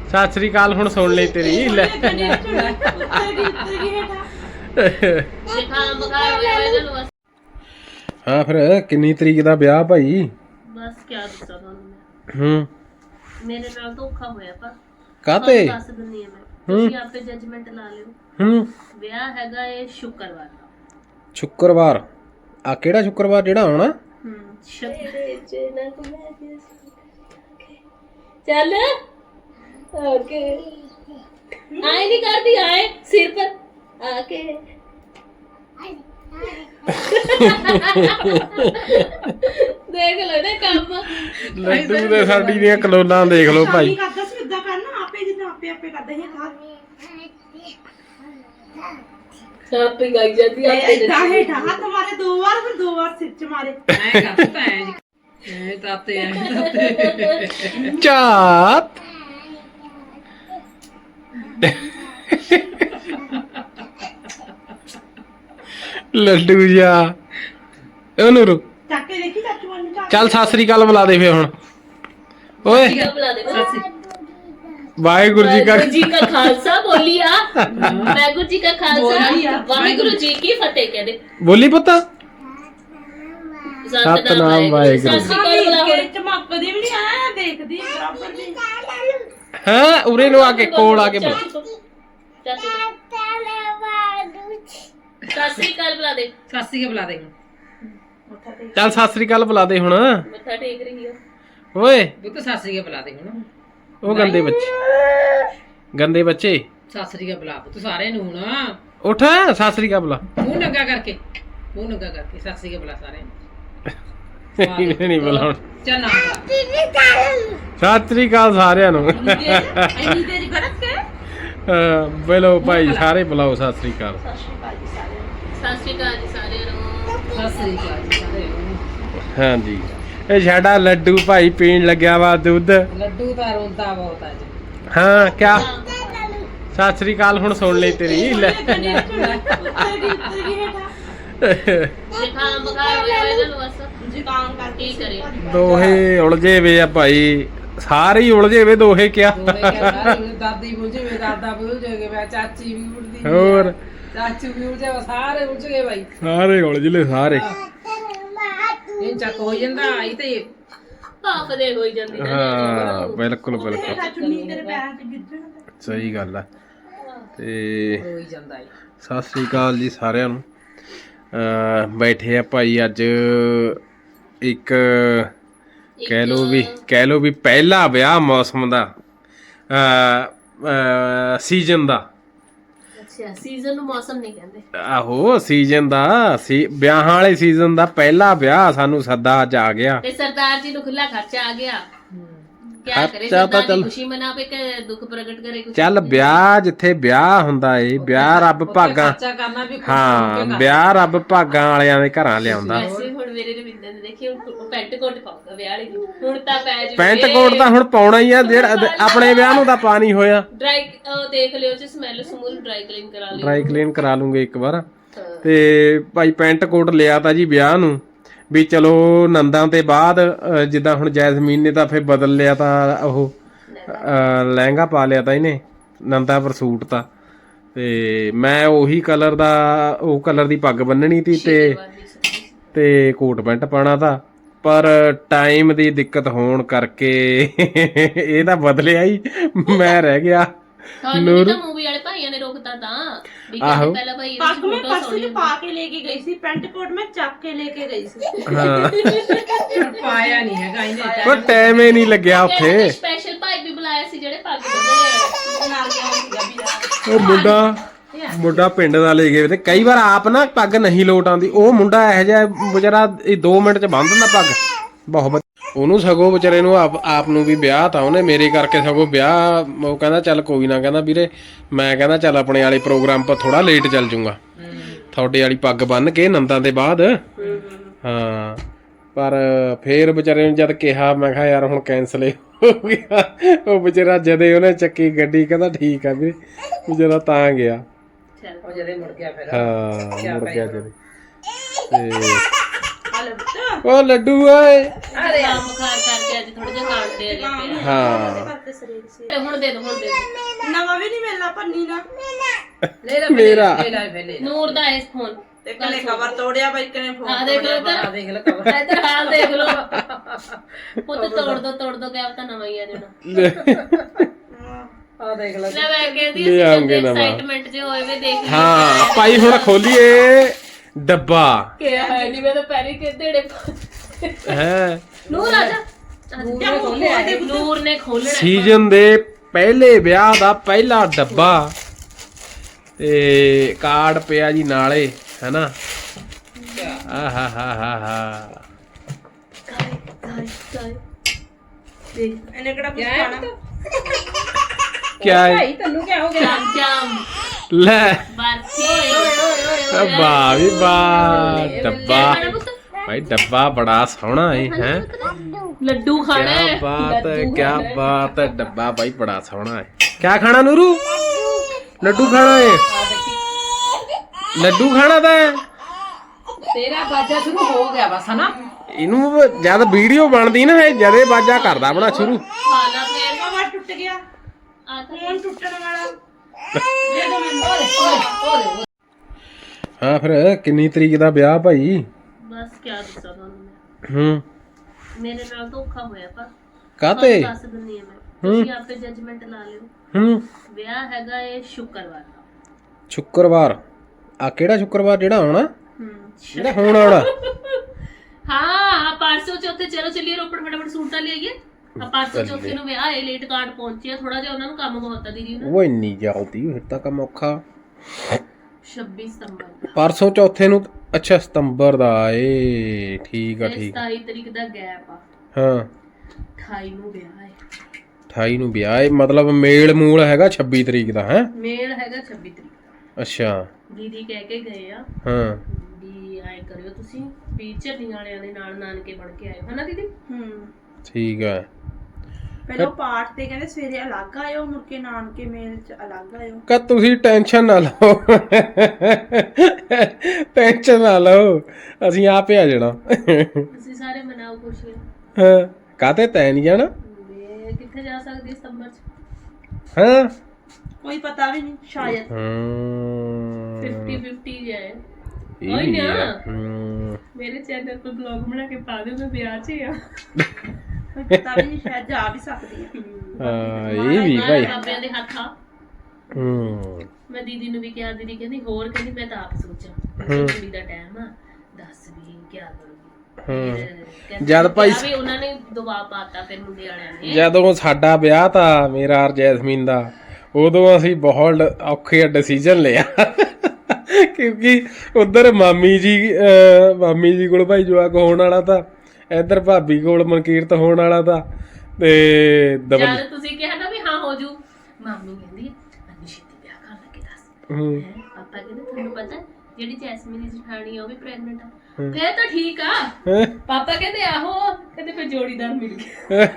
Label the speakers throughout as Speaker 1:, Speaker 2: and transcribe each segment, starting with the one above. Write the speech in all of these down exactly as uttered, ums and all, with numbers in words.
Speaker 1: ਸਤਿ ਸ੍ਰੀ ਅਕਾਲ ਹੁਣ ਸੁਣ ਲਈ ਤੇਰੀ ਲੈ ਹਾਂ ਫਿਰ ਕਿੰਨੀ ਤਰੀਕ ਦਾ ਵਿਆਹ ਭਾਈ?
Speaker 2: ਬਸ ਕੀ ਦੱਸਾਂ ਤੁਹਾਨੂੰ
Speaker 1: ਹੂੰ
Speaker 2: ਮੇਰੇ ਨਾਲ ਧੋਖਾ ਹੋਇਆ ਪਰ
Speaker 1: ਕਾਤੇ?
Speaker 2: ਦੱਸ ਦਿੰਨੀ ਆ ਮੈਂ, ਤੁਸੀਂ ਆਪੇ ਜੱਜਮੈਂਟ ਲਾ ਲਿਓ।
Speaker 1: ਹੂੰ
Speaker 2: ਵਿਆਹ ਹੈਗਾ ਇਹ ਸ਼ੁੱਕਰਵਾਰ ਦਾ।
Speaker 1: ਸ਼ੁੱਕਰਵਾਰ? ਆ ਕਿਹੜਾ ਸ਼ੁੱਕਰਵਾਰ ਜਿਹੜਾ ਆਉਣਾ?
Speaker 2: ਹੂੰ ਚੱਲ ਓਕੇ ਆਏ ਨਹੀਂ ਕਰਦੀ ਆਏ ਸਿਰ ਪਰ ਆਕੇ ਦੇਖ ਲੋ ਨਾ ਕੰਮ
Speaker 1: ਲੱਡੂ ਦੇ ਸਾਡੀ ਦੀਆਂ ਕਲੋਲਾਂ ਦੇਖ ਲਓ ਭਾਈ।
Speaker 3: ਕਰਦਾ ਸੀ ਇਦਾਂ ਕਰਨਾ ਆਪੇ ਜਿੱਦਾਂ ਆਪੇ ਆਪੇ ਕਰਦਾ ਸੀ ਖਾ
Speaker 2: ਆਪੇ ਗਾਈ ਜਾਂਦੀ ਆਪੇ
Speaker 3: ਇਦਾਂ ਹੇਠਾਂ ਹੱਥ ਮਾਰੇ ਦੋ ਵਾਰ ਫਿਰ ਦੋ ਵਾਰ ਸਿਰ ਚ ਮਾਰੇ
Speaker 4: ਐ ਕਰਦਾ ਐ ਐ ਤਾਤੇ ਐ ਤਾਤੇ
Speaker 1: ਚਾਤ ਲੱਡੂ ਜਾ ਉਹਨੂੰ ਰੁਕ
Speaker 3: ਚੱਕ ਕੇ ਦੇਖੀ ਚਾਚੂ ਵਾਲੀ ਚੱਕ
Speaker 1: ਚੱਲ ਸਤਿ ਸ੍ਰੀ ਅਕਾਲ ਬੁਲਾ ਦੇ ਫੇ ਹੁਣ। ਓਏ
Speaker 2: ਬੁਲਾ ਦੇ
Speaker 1: ਵਾਹਿਗੁਰੂ ਜੀ ਕਾ
Speaker 2: ਵਾਹਿਗੁਰੂ ਜੀ ਕਾ ਖਾਲਸਾ ਬੋਲੀ ਆ ਵਾਹਿਗੁਰੂ ਜੀ ਕਾ ਖਾਲਸਾ ਵਾਹਿਗੁਰੂ ਜੀ ਕੀ ਫਤਿਹ ਕਹਦੇ
Speaker 1: ਬੋਲੀ ਪੁੱਤ।
Speaker 2: ਸਤਨਾਮ ਵਾਹਿਗੁਰੂ। ਸਤਿ ਸ਼੍ਰੀ ਅਕਾਲ
Speaker 3: ਕੇ ਚਮਕਦੀ ਵੀ ਨਹੀਂ ਆ ਦੇਖਦੀ ਬਰਾਬਰ ਦੀ
Speaker 1: ਹਾਂ ਉਰੇ ਨੂੰ ਆ ਕੇ ਕੋਲ ਆ ਕੇ ਬੁਲਾ।
Speaker 2: ਚਾਚੂ ਸਤਿ ਸ਼੍ਰੀ ਅਕਾਲ ਬੁਲਾ ਦੇ।
Speaker 4: ਸਾਸੀ ਕੇ ਬੁਲਾ ਦੇ
Speaker 1: ਚੱਲ ਸਤਿ ਸ੍ਰੀ ਅਕਾਲ ਬੁਲਾ ਦੇ ਹੁਣ।
Speaker 2: ਮੱਥਾ ਟੇਕ ਰਹੀ ਆ
Speaker 1: ਓਏ
Speaker 4: ਬੁੱਤ ਸਾਸੀ ਕੇ ਬੁਲਾ ਦੇ ਹੁਣ।
Speaker 1: ਉਹ ਗੰਦੇ ਬੱਚੇ ਗੰਦੇ ਬੱਚੇ
Speaker 4: ਸਾਸਰੀ ਕੇ ਬੁਲਾ ਤੂੰ ਸਾਰੇ ਨੂੰ ਹੁਣ
Speaker 1: ਉੱਠ ਸਤਿ ਸ੍ਰੀ ਅਕਾਲ ਬੁਲਾ।
Speaker 4: ਮੂੰਹ ਨੰਗਾ ਕਰਕੇ ਮੂੰਹ ਨੰਗਾ ਕਰਕੇ ਸਾਸੀ ਕੇ ਬੁਲਾ ਸਾਰੇ
Speaker 1: ਇਹਨੇ ਨਹੀਂ ਬੁਲਾਉਣ।
Speaker 4: ਚੱਲ ਨਾ
Speaker 1: ਸਤਿ ਸ੍ਰੀ ਅਕਾਲ ਸਾਰਿਆਂ ਨੂੰ।
Speaker 3: ਇੰਨੀ ਦੇਰ ਗੜਕ ਕੇ
Speaker 1: ਹਾਂ ਬੋਲੋ ਭਾਈ ਸਾਰੇ ਬੁਲਾਓ ਸਤਿ ਸ੍ਰੀ ਅਕਾਲ।
Speaker 2: ਸਤਿ ਸ਼੍ਰੀ ਅਕਾਲ ਜੀ ਸਾਰਿਆਂ ਨੂੰ।
Speaker 4: ਸਾਸਰੀ ਕੇ ਸਾਰੇ
Speaker 1: ਹਾਂਜੀ ਇਹ ਸਾਡਾ ਲੱਡੂ ਭਾਈ ਪੀਣ ਲੱਗਿਆ ਵਾ ਦੁੱਧ।
Speaker 4: ਲੱਡੂ ਤਾਂ ਰੋਂਦਾ ਬਹੁਤ ਅੱਜ।
Speaker 1: ਹਾਂ ਕਿਆ ਸਤਿ ਸ੍ਰੀ ਅਕਾਲ ਹੁਣ ਸੁਣ ਲਈ ਤੇਰੀ ਲੈ
Speaker 2: ਜ਼ੁਕਾਮ ਬੁਖਾਰ ਹੋਇਆ ਇਹਨਾਂ ਨੂੰ ਬਸ
Speaker 3: ਜ਼ੁਕਾਮ ਕਰਕੇ
Speaker 2: ਕੀ ਕਰੇ।
Speaker 1: ਦੋਹੇ ਉਲਝੇ ਵੇ ਆ ਭਾਈ ਸਾਰੇ ਹੀ ਉਲਝੇ ਵੇ ਦੋਹੇ ਕਿਆ।
Speaker 4: ਦਾਦੀ ਬੁੱਝ ਗਏ ਦਾਦਾ ਬੁੱਝ ਗਏ ਮੈਂ ਚਾਚੀ ਵੀ ਉੜਦੀ
Speaker 1: ਹੋਰ
Speaker 4: ਚਾਚੂ ਵੀ ਉੜ ਜਾ ਸਾਰੇ ਉੜ ਗਏ ਬਾਈ
Speaker 1: ਸਾਰੇ ਉਲਝਲੇ ਸਾਰੇ।
Speaker 4: ਇਹ ਚੱਕ ਹੋ ਜਾਂਦਾ ਆਈ ਤੇ
Speaker 2: ਭਾਫ ਦੇ ਹੋਈ ਜਾਂਦੀ ਨਾ
Speaker 1: ਹਾਂ ਬਿਲਕੁਲ ਬਿਲਕੁਲ
Speaker 3: ਚਾਚੂ ਨੀ ਤੇਰੇ ਪੈਰਾਂ 'ਚ ਗਿੱਜਣ
Speaker 1: ਸਹੀ ਗੱਲ ਆ। ਤੇ
Speaker 4: ਹੋਈ ਜਾਂਦਾ ਏ।
Speaker 1: ਸਤਿ ਸ੍ਰੀ ਅਕਾਲ ਜੀ ਸਾਰਿਆਂ ਨੂੰ। ਅਹ ਬੈਠੇ ਆ ਭਾਈ ਅੱਜ ਇੱਕ ਕਹਿ ਲੋ ਵੀ ਕਹਿ ਲੋ ਵੀ ਪਹਿਲਾ ਵਿਆਹ ਮੌਸਮ ਦਾ ਸੀਜ਼ਨ ਦਾ।
Speaker 2: ਅੱਛਾ ਸੀਜ਼ਨ ਨੂੰ ਮੌਸਮ ਨਹੀਂ ਕਹਿੰਦੇ।
Speaker 1: ਆਹੋ ਸੀਜ਼ਨ ਦਾ ਸੀ ਵਿਆਹਾਂ ਵਾਲੇ ਸੀਜ਼ਨ ਦਾ ਪਹਿਲਾ ਵਿਆਹ ਸਾਨੂੰ ਸੱਦਾ ਅੱਜ ਆ ਗਿਆ।
Speaker 2: ਤੇ ਸਰਦਾਰ ਜੀ ਨੂੰ ਖੁੱਲਾ ਖਰਚਾ ਆ ਗਿਆ। ਕਿਆ ਕਰੇ
Speaker 1: ਖਰਚਾ ਤਾਂ
Speaker 2: ਸਰਦਾਰ
Speaker 1: ਚੱਲ-
Speaker 2: ਜੀ ਖੁਸ਼ੀ ਮਨਾਵੇ ਕਿ ਦੁੱਖ ਪ੍ਰਗਟ ਕਰੇ ਕੁਛ।
Speaker 1: ਚੱਲ ਵਿਆਹ ਜਿੱਥੇ ਵਿਆਹ ਹੁੰਦਾ ਏ ਵਿਆਹ ਰੱਬ ਭਾਗਾਂ
Speaker 4: ਖਰਚਾ ਕਰਨਾ ਵੀ ਖੁਸ਼ ਹੋ ਕੇ
Speaker 1: ਹਾਂ
Speaker 4: ਕਰ।
Speaker 1: ਵਿਆਹ ਰੱਬ ਭਾਗਾਂ ਵਾਲਿਆਂ ਦੇ ਘਰਾਂ ਲਿਆਉਂਦਾ।
Speaker 2: ਵੈਸੇ ਹੁਣ ਮੇਰੇ ਰਵਿੰਦਰ ਨੇ ਦੇਖੀ ਹੁਣ ਉਹ ਪੈਂਟ ਕੋਟ ਪਾਊਗਾ ਵਿਆਹ ਵਾਲੇ ਦਿਨ। ਹੁਣ ਤਾਂ ਪੈ ਜਵੇ
Speaker 1: ਪੈਂਟ ਕੋਟ ਤਾਂ ਹੁਣ ਪਾਉਣਾ ਹੀ ਆ ਜਿਹੜਾ ਆਪਣੇ ਵਿਆਹ ਨੂੰ ਤਾਂ ਪਾ ਨਹੀਂ ਹੋਇਆ।
Speaker 2: ਡਰਾਈ ਉਹ ਦੇਖ ਲਿਓ ਜੀ ਸਮੈਲ ਸਮੂਲ ਡਰਾਈ ਕਲੀਨ ਕਰਾ ਲਿਓ।
Speaker 1: ਡਰਾਈ ਕਲੀਨ ਕਰਾ ਲੂੰਗੇ ਇੱਕ ਵਾਰ। ਤੇ ਭਾਈ ਪੈਂਟ ਕੋਟ ਲਿਆ ਤਾਂ ਜੀ ਵਿਆਹ ਨੂੰ ਵੀ ਚਲੋ ਨੰਦਾਂ ਤੇ ਬਾਅਦ ਅਹ ਜਿੱਦਾਂ ਹੁਣ ਜੈਸਮੀਨ ਨੇ ਤਾਂ ਫਿਰ ਬਦਲ ਲਿਆ ਤਾਂ ਉਹ ਅਹ ਲਹਿੰਗਾ ਪਾ ਲਿਆ ਤਾਂ ਇਹਨੇ ਨੰਦਾ ਪਰ ਸੂਟ ਤਾਂ ਤੇ ਮੈਂ ਉਹੀ ਕਲਰ ਦਾ ਉਹ ਕਲਰ ਦੀ ਪੱਗ ਬੰਨਣੀ ਤੀ ਤੇ ਤੇ ਕੋਟ ਪੈਂਟ ਪਾਣਾ ਤਾਂ ਪਰ ਟਾਈਮ ਦੀ ਦਿੱਕਤ ਹੋਣ ਕਰਕੇ ਇਹ ਤਾਂ ਬਦਲਿਆ ਹੀ ਮੈਂ ਰਹਿ ਗਿਆ।
Speaker 2: ਤੁਹਾਨੂੰ ਤਾਂ ਮੂਵੀ ਵਾਲੇ ਭਾਈਆਂ ਨੇ ਰੋਕਤਾ ਤਾਂ ਵੀ ਕਹਿੰਦੇ ਪਹਿਲਾਂ ਭਾਈ
Speaker 3: ਪੱਗ ਮੈਂ ਪਰਸ 'ਚ ਪਾ ਕੇ ਲੈ ਕੇ ਗਈ ਸੀ ਪੈਂਟ ਕੋਟ ਮੈਂ ਚੱਕ ਕੇ ਲੈ ਕੇ ਗਈ ਸੀ
Speaker 1: ਹਾਂ
Speaker 4: ਪਾਇਆ ਨਹੀਂ ਹੈਗਾ ਇਹਨੇ
Speaker 1: ਉਹ ਟਾਈਮ ਹੀ ਨਹੀਂ ਲੱਗਿਆ ਉੱਥੇ।
Speaker 2: ਸਪੈਸ਼ਲ ਭਾਈ ਵੀ ਬੁਲਾਇਆ ਸੀ ਜਿਹੜੇ ਪੱਗ ਬੰਨ੍ਹਦੇ
Speaker 3: ਨਾਲ ਗਿਆ ਸੀਗਾ ਵੀਰਾ
Speaker 1: ਉਹ ਮੁੰਡਾ ਮੁੰਡਾ ਪਿੰਡ ਦਾ ਲੈ ਗਏ ਤੇ ਕਈ ਵਾਰ ਆਪ ਨਾ ਪੱਗ ਨਹੀਂ ਲੋਟ ਆਉਂਦੀ। ਉਹ ਮੁੰਡਾ ਇਹੋ ਜਿਹਾ ਵਿਚਾਰਾ ਇਹ ਦੋ ਮਿੰਟ ਚ ਬੰਨ ਦਿੰਦਾ ਪੱਗ ਬਹੁਤ ਵਧੀਆ। ਉਹਨੂੰ ਸਗੋਂ ਵਿਚਾਰੇ ਨੂੰ ਆਪ ਆਪ ਨੂੰ ਵੀ ਵਿਆਹ ਤਾਂ ਉਹਨੇ ਮੇਰੇ ਕਰਕੇ ਸਗੋਂ ਵਿਆਹ ਉਹ ਕਹਿੰਦਾ ਚੱਲ ਕੋਈ ਨਾ ਕਹਿੰਦਾ ਵੀਰੇ ਮੈਂ ਕਹਿੰਦਾ ਚੱਲ ਆਪਣੇ ਵਾਲੇ ਪ੍ਰੋਗਰਾਮ ਪਰ ਥੋੜਾ ਲੇਟ ਚੱਲ ਜੂੰਗਾ ਤੁਹਾਡੇ ਵਾਲੀ ਪੱਗ ਬੰਨ ਕੇ ਨੰਦਾਂ ਦੇ ਬਾਅਦ। ਹਾਂ ਪਰ ਫੇਰ ਵਿਚਾਰੇ ਨੂੰ ਜਦ ਕਿਹਾ ਮੈਂ ਕਿਹਾ ਯਾਰ ਹੁਣ ਕੈਂਸਲ ਹੋ ਗਿਆ। ਉਹ ਵਿਚਾਰਾ ਜਦੇ ਉਹਨੇ ਚੱਕੀ ਗੱਡੀ ਕਹਿੰਦਾ ਠੀਕ ਆ ਵੀਰੇ ਵਿਚਾਰਾ ਤਾਂ ਗਿਆ।
Speaker 4: ਉਹ ਜਦੇ ਮੁੜ ਗਿਆ ਫਿਰ
Speaker 1: ਹਾਂ ਮੁੜ ਗਿਆ ਜਦੇ ਤੇ
Speaker 3: ਹਲ ਬੱਚਾ
Speaker 1: ਉਹ ਲੱਡੂ ਓਏ
Speaker 2: ਕੰਮ ਖਾਰ ਕਰਕੇ ਅੱਜ ਥੋੜਾ ਜਿਹਾ ਕਾਟਦੇ ਆ ਜੀ
Speaker 1: ਹਾਂ
Speaker 3: ਕਰਕੇ ਸਰੀਰ ਸੀ
Speaker 2: ਤੇ ਹੁਣ ਦੇ ਦੋ ਹੁਣ ਦੇ ਦੋ
Speaker 3: ਨਵਾਂ ਵੀ ਨਹੀਂ ਮਿਲਣਾ ਪੰਨੀ ਨਾ
Speaker 4: ਲੈ ਲੈ
Speaker 1: ਮੇਰਾ।
Speaker 4: ਲੈ ਲੈ ਫਿਰ ਲੈ
Speaker 2: ਨੂਰ ਦਾ ਇਸ ਫੋਨ
Speaker 3: ਤੇ ਕਨੇ ਕਵਰ ਤੋੜਿਆ ਬਾਈ ਕਨੇ ਫੋਨ
Speaker 2: ਆ ਦੇਖ ਲਓ
Speaker 4: ਆ
Speaker 2: ਤਾਂ
Speaker 4: ਦੇਖ ਲੈ ਕਵਰ
Speaker 2: ਇੱਧਰ ਹਾਲ ਦੇਖ ਲਓ ਪੁੱਤ ਤੋੜ ਦੋ ਤੋੜ ਦੋ ਕਿਆ ਪਤਾ ਨਵਾਂ ਹੀ ਆ ਜਾਣਾ
Speaker 4: ਆ ਦੇਖ ਲੈ
Speaker 2: ਲੈ ਮੈਂ ਕਹਿੰਦੀ
Speaker 1: ਲੈ
Speaker 2: ਅਸੀਂ
Speaker 1: ਆਉਂਗੇ
Speaker 2: ਜਦ
Speaker 1: ਨਵਾਂ।
Speaker 2: ਐਕਸਾਈਟਮੈਂਟ ਜੇ ਹੋਏ ਵੇ ਦੇਖ
Speaker 1: ਹਾਂ ਭਾਈ ਹੁਣ ਖੋਲੀਏ ਡੱਬਾ
Speaker 2: ਕਿ ਹੈ ਨਹੀਂ ਮੈਂ ਤਾਂ ਪਹਿਲੇ ਕਿ ਢੇੜੇ
Speaker 1: ਹੈ
Speaker 2: ਨੂਰ ਆ ਜਾ
Speaker 4: ਨੂਰ ਨੇ ਖੋਲਿਆ ਇਹ।
Speaker 2: ਨੂਰ ਨੇ ਖੋਲਣਾ
Speaker 1: ਸੀਜ਼ਨ ਦੇ ਪਹਿਲੇ ਵਿਆਹ ਦਾ ਪਹਿਲਾ ਡੱਬਾ ਤੇ ਕਾਰਡ ਪਿਆ ਜੀ ਨਾਲੇ ਹੈਨਾ ਆਹਾ ਹਾ ਹਾ ਹਾ
Speaker 2: ਕਾਏ ਕਾਏ ਕਾਏ ਦੇਖ
Speaker 3: ਇਹਨੇ ਕਿਹੜਾ ਕੁਝ
Speaker 4: ਕਿਆ ਹੈ
Speaker 3: ਖਾਣਾ
Speaker 1: ਕਿਆ ਹੈ?
Speaker 4: ਭਾਈ ਤੈਨੂੰ ਕੀ ਹੋ ਗਿਆ
Speaker 2: ਚਾਮ ਚਾਮ
Speaker 1: ਲੈ
Speaker 2: ਬਰਫੀ
Speaker 1: ਵਾਹ ਵੀ ਵਾਹ ਡੱਬਾ
Speaker 2: ਖਾਣਾ ਪੁੱਤ
Speaker 1: ਭਾਈ ਡੱਬਾ ਬੜਾ ਸੋਹਣਾ ਹੈ ਹੈ
Speaker 2: ਲੱਡੂ ਖਾਣਾ
Speaker 1: ਕੀ
Speaker 2: ਹੈ
Speaker 1: ਬਾਤ ਹੈ ਕੀ ਬਾਤ ਹੈ ਡੱਬਾ ਭਾਈ ਬੜਾ ਸੋਹਣਾ ਹੈ ਕੀ ਖਾਣਾ ਨੂਰੂ ਲੱਡੂ ਖਾਣਾ ਹੈ ਲੱਡੂ ਖਾਣਾ ਤਾਂ ਹੈ।
Speaker 4: ਤੇਰਾ ਬਾਜਾ ਸ਼ੁਰੂ ਹੋ ਗਿਆ ਬਸ ਹਨਾ
Speaker 1: ਇਹਨੂੰ ਜਦ ਵੀਡੀਓ ਬਣਦੀ ਨਾ ਇਹ ਜਦੇ ਬਾਜਾ ਕਰਦਾ ਬਣਾ ਸ਼ੁਰੂ
Speaker 2: ਖਾਣਾ ਫੇਰ
Speaker 3: ਕਵਰ ਟੁੱਟ ਗਿਆ
Speaker 2: ਆ ਤਾਂ
Speaker 3: ਫੋਨ ਟੁੱਟਣ ਵਾਲਾ
Speaker 1: ਹਾਂ ਫਿਰ ਕਿੰਨੀ ਤਰੀਕ ਦਾ ਵਿਆਹ ਭਾਈ
Speaker 2: ਬਸ ਕੀ ਦੱਸਾਂ ਤੁਹਾਨੂੰ ਮੈਂ
Speaker 1: ਹੂੰ
Speaker 2: ਮੇਰੇ ਨਾਲ ਧੋਖਾ ਹੋਇਆ ਪਰ
Speaker 1: ਕਾਤੇ
Speaker 2: ਦੱਸ ਦਿੰਨੀ ਆ ਮੈਂ ਤੁਸੀਂ ਆਪੇ ਜੱਜਮੈਂਟ ਲਾ ਲਿਓ
Speaker 1: ਹੂੰ
Speaker 2: ਵਿਆਹ ਹੈਗਾ ਇਹ ਸ਼ੁੱਕਰਵਾਰ ਦਾ
Speaker 1: ਸ਼ੁੱਕਰਵਾਰ ਆ ਕਿਹੜਾ ਸ਼ੁੱਕਰਵਾਰ ਜਿਹੜਾ ਆਉਣਾ
Speaker 2: ਹੂੰ
Speaker 1: ਜਿਹੜਾ ਹੁਣ ਆਉਣਾ
Speaker 2: ਹਾਂ ਆ ਪਰਸੋਂ ਚੌਥੇ ਚਲੋ ਚੱਲੀਏ ਰੋਪੜ ਫਟਾਫਟ ਸੂਟਾਂ ਲਿਆਈਏ ਆ ਪਰਸੋਂ ਚੌਥੇ ਨੂੰ ਵਿਆਹ ਹੈ ਲੇਟ ਕਾਰਡ ਪਹੁੰਚਿਆ ਥੋੜਾ ਜਿਹਾ ਉਹਨਾਂ ਨੂੰ ਕੰਮ ਬਹੁਤ ਆ ਦੀਦੀ ਨੂੰ
Speaker 1: ਉਹ ਇੰਨੀ ਜਲਦੀ ਫਿਰ ਤਾਂ ਕੰਮ ਔਖਾ
Speaker 2: ਛੱਬੀ ਸਤੰਬਰ ਦਾ
Speaker 1: ਪਰਸੋਂ ਚੌਥੇ ਨੂੰ ਅੱਛਾ ਸਤੰਬਰ ਦਾ ਏ ਠੀਕ ਆ
Speaker 2: ਤੇ
Speaker 1: ਠੀਕ
Speaker 2: ਸਤਾਈ ਤਰੀਕ ਦਾ ਗੈਪ ਆ
Speaker 1: ਹਾਂ
Speaker 2: ਅਠਾਈ ਨੂੰ ਵਿਆਹ ਹੈ
Speaker 1: ਅਠਾਈ ਨੂੰ ਵਿਆਹ ਏ ਮਤਲਬ ਮੇਲ ਮੂਲ ਹੈਗਾ ਛੱਬੀ ਤਰੀਕ ਦਾ ਹੈ
Speaker 2: ਮੇਲ ਹੈਗਾ ਛੱਬੀ ਤਰੀਕ ਦਾ
Speaker 1: ਅੱਛਾ
Speaker 2: ਦੀਦੀ ਕਹਿ ਕੇ ਗਏ ਆ
Speaker 1: ਹਾਂ
Speaker 2: ਵੀ ਆਏ ਕਰਿਓ ਤੁਸੀਂ ਵੀ ਝੱਲੀਆਂ ਵਾਲਿਆਂ ਦੇ ਨਾਲ ਨਾਨਕੇ ਬਣ ਕੇ ਆਇਓ ਹਨਾ ਦੀਦੀ
Speaker 3: ਹੂੰ
Speaker 1: ਠੀਕ ਆ
Speaker 3: ਪਹਿਲਾਂ ਪਾਠ ਤੇ ਕਹਿੰਦੇ ਸਵੇਰੇ ਅਲੱਗ ਆਇਓ ਮੁੜ ਕੇ ਨਾਨਕੇ ਮੇਲ ਚ ਅਲੱਗ ਆਇਓ
Speaker 1: ਕਾ ਤੁਸੀਂ ਟੈਨਸ਼ਨ ਨਾ ਲਓ ਟੈਨਸ਼ਨ ਨਾ ਲਓ ਅਸੀਂ ਆਪੇ ਆ ਜਾਣਾ
Speaker 2: ਤੁਸੀਂ ਸਾਰੇ ਮਨਾਓ ਖੁਸ਼ੀਆਂ
Speaker 1: ਹਾਂ ਕਾਤੇ ਤੈ ਨਹੀਂ ਜਾਣਾ
Speaker 2: ਮੈਂ ਕਿੱਥੇ ਜਾ ਸਕਦੀ ਸਤੰਬਰ ਚ
Speaker 1: ਹਾਂ
Speaker 3: ਕੋਈ ਪਤਾ ਵੀ ਨਹੀਂ ਸ਼ਾਇਦ
Speaker 1: ਹੂੰ
Speaker 2: ਫਿਫਟੀ ਫਿਫਟੀ ਜਾਏ
Speaker 1: ਇਹ
Speaker 2: ਓਏ
Speaker 1: ਵੀ
Speaker 2: ਨਾ
Speaker 1: ਆ, ਹੂੰ
Speaker 2: ਮੇਰੇ ਚੈਨਲ ਤੇ ਬਲੌਗ ਬਣਾ ਕੇ ਪਾ ਦਿਓ ਮੈਂ ਵਿਆਹ 'ਚ ਆ
Speaker 3: ਕੋਈ ਪਤਾ ਵੀ ਨਹੀਂ ਸ਼ਾਇਦ ਜਾ ਵੀ ਸਕਦੀ ਹੈ
Speaker 1: ਹਾਂ ਇਹ ਵੀ ਭਾਈ
Speaker 2: ਬਾਬਿਆਂ ਦੇ ਹੱਥ ਆ
Speaker 1: ਹੂੰ
Speaker 2: ਮੈਂ ਦੀਦੀ ਨੂੰ ਵੀ ਕਿਹਾ ਦੀਦੀ ਕਹਿੰਦੀ ਹੋਰ ਕਹਿੰਦੀ ਮੈਂ ਤਾਂ ਆਪ ਸੋਚਾਂ
Speaker 1: ਹੂੰ।
Speaker 2: ਕੁੜੀ ਦਾ ਟਾਈਮ ਆ ਦੱਸ ਵੀ ਕੀ ਕਰੂਗੀ
Speaker 1: ਹੂੰ।
Speaker 2: ਫਿਰ ਕਹਿੰਦੀ
Speaker 1: ਜਦ ਭਾਈ
Speaker 2: ਕਿਹਾ ਵੀ ਉਹਨਾਂ ਨੇ ਦਬਾਅ ਪਾਤਾ ਫਿਰ ਮੁੰਡੇ ਵਾਲਿਆਂ ਨੇ
Speaker 1: ਜਦੋਂ ਸਾਡਾ ਵਿਆਹ ਤਾਂ ਮੇਰਾ ਔਰ ਜੈਸਮੀਨ ਦਾ ਉਦੋਂ ਅਸੀਂ ਬਹੁਤ ਔਖੇ ਡਿਸੀਜਨ ਲਿਆ ਕਿਉਂਕਿ ਉਧਰ ਮਾਮੀ ਜੀ ਅਹ ਮਾਮੀ ਜੀ ਕੋਲ ਭਾਈ ਜਵਾਕ ਹੋਣ ਵਾਲਾ ਤਾਂ ਇੱਧਰ ਭਾਬੀ ਕੋਲ ਮਨਕੀਰਤ ਹੋਣ ਵਾਲਾ ਤਾਂ ਤੇ ਦਬਲ
Speaker 2: ਜਦ ਤੁਸੀਂ ਕਿਹਾ ਨਾ ਵੀ ਹਾਂ ਹੋ ਜੂ ਮਾਮੀ ਕਹਿੰਦੀ ਅੰਨੀ ਛੇਤੀ ਵਿਆਹ ਕਰ ਲੱਗੇ ਦੱਸ
Speaker 1: ਹੂੰ
Speaker 2: ਹੈਂ? ਪਾਪਾ ਕਹਿੰਦੇ ਤੁਹਾਨੂੰ ਪਤਾ ਜਿਹੜੀ ਜੈਸਮੀਨ ਦੀ ਜਠਾਣੀ ਆ ਉਹ ਵੀ ਪ੍ਰੈਗਨੈਂਟ ਆ ਫੇਰ ਤਾਂ ਠੀਕ ਆ
Speaker 1: ਹੈਂ?
Speaker 2: ਪਾਪਾ ਕਹਿੰਦੇ ਆਹੋ ਕਹਿੰਦੇ ਫਿਰ ਜੋੜੀਦਾਰ ਮਿਲ ਗਿਆ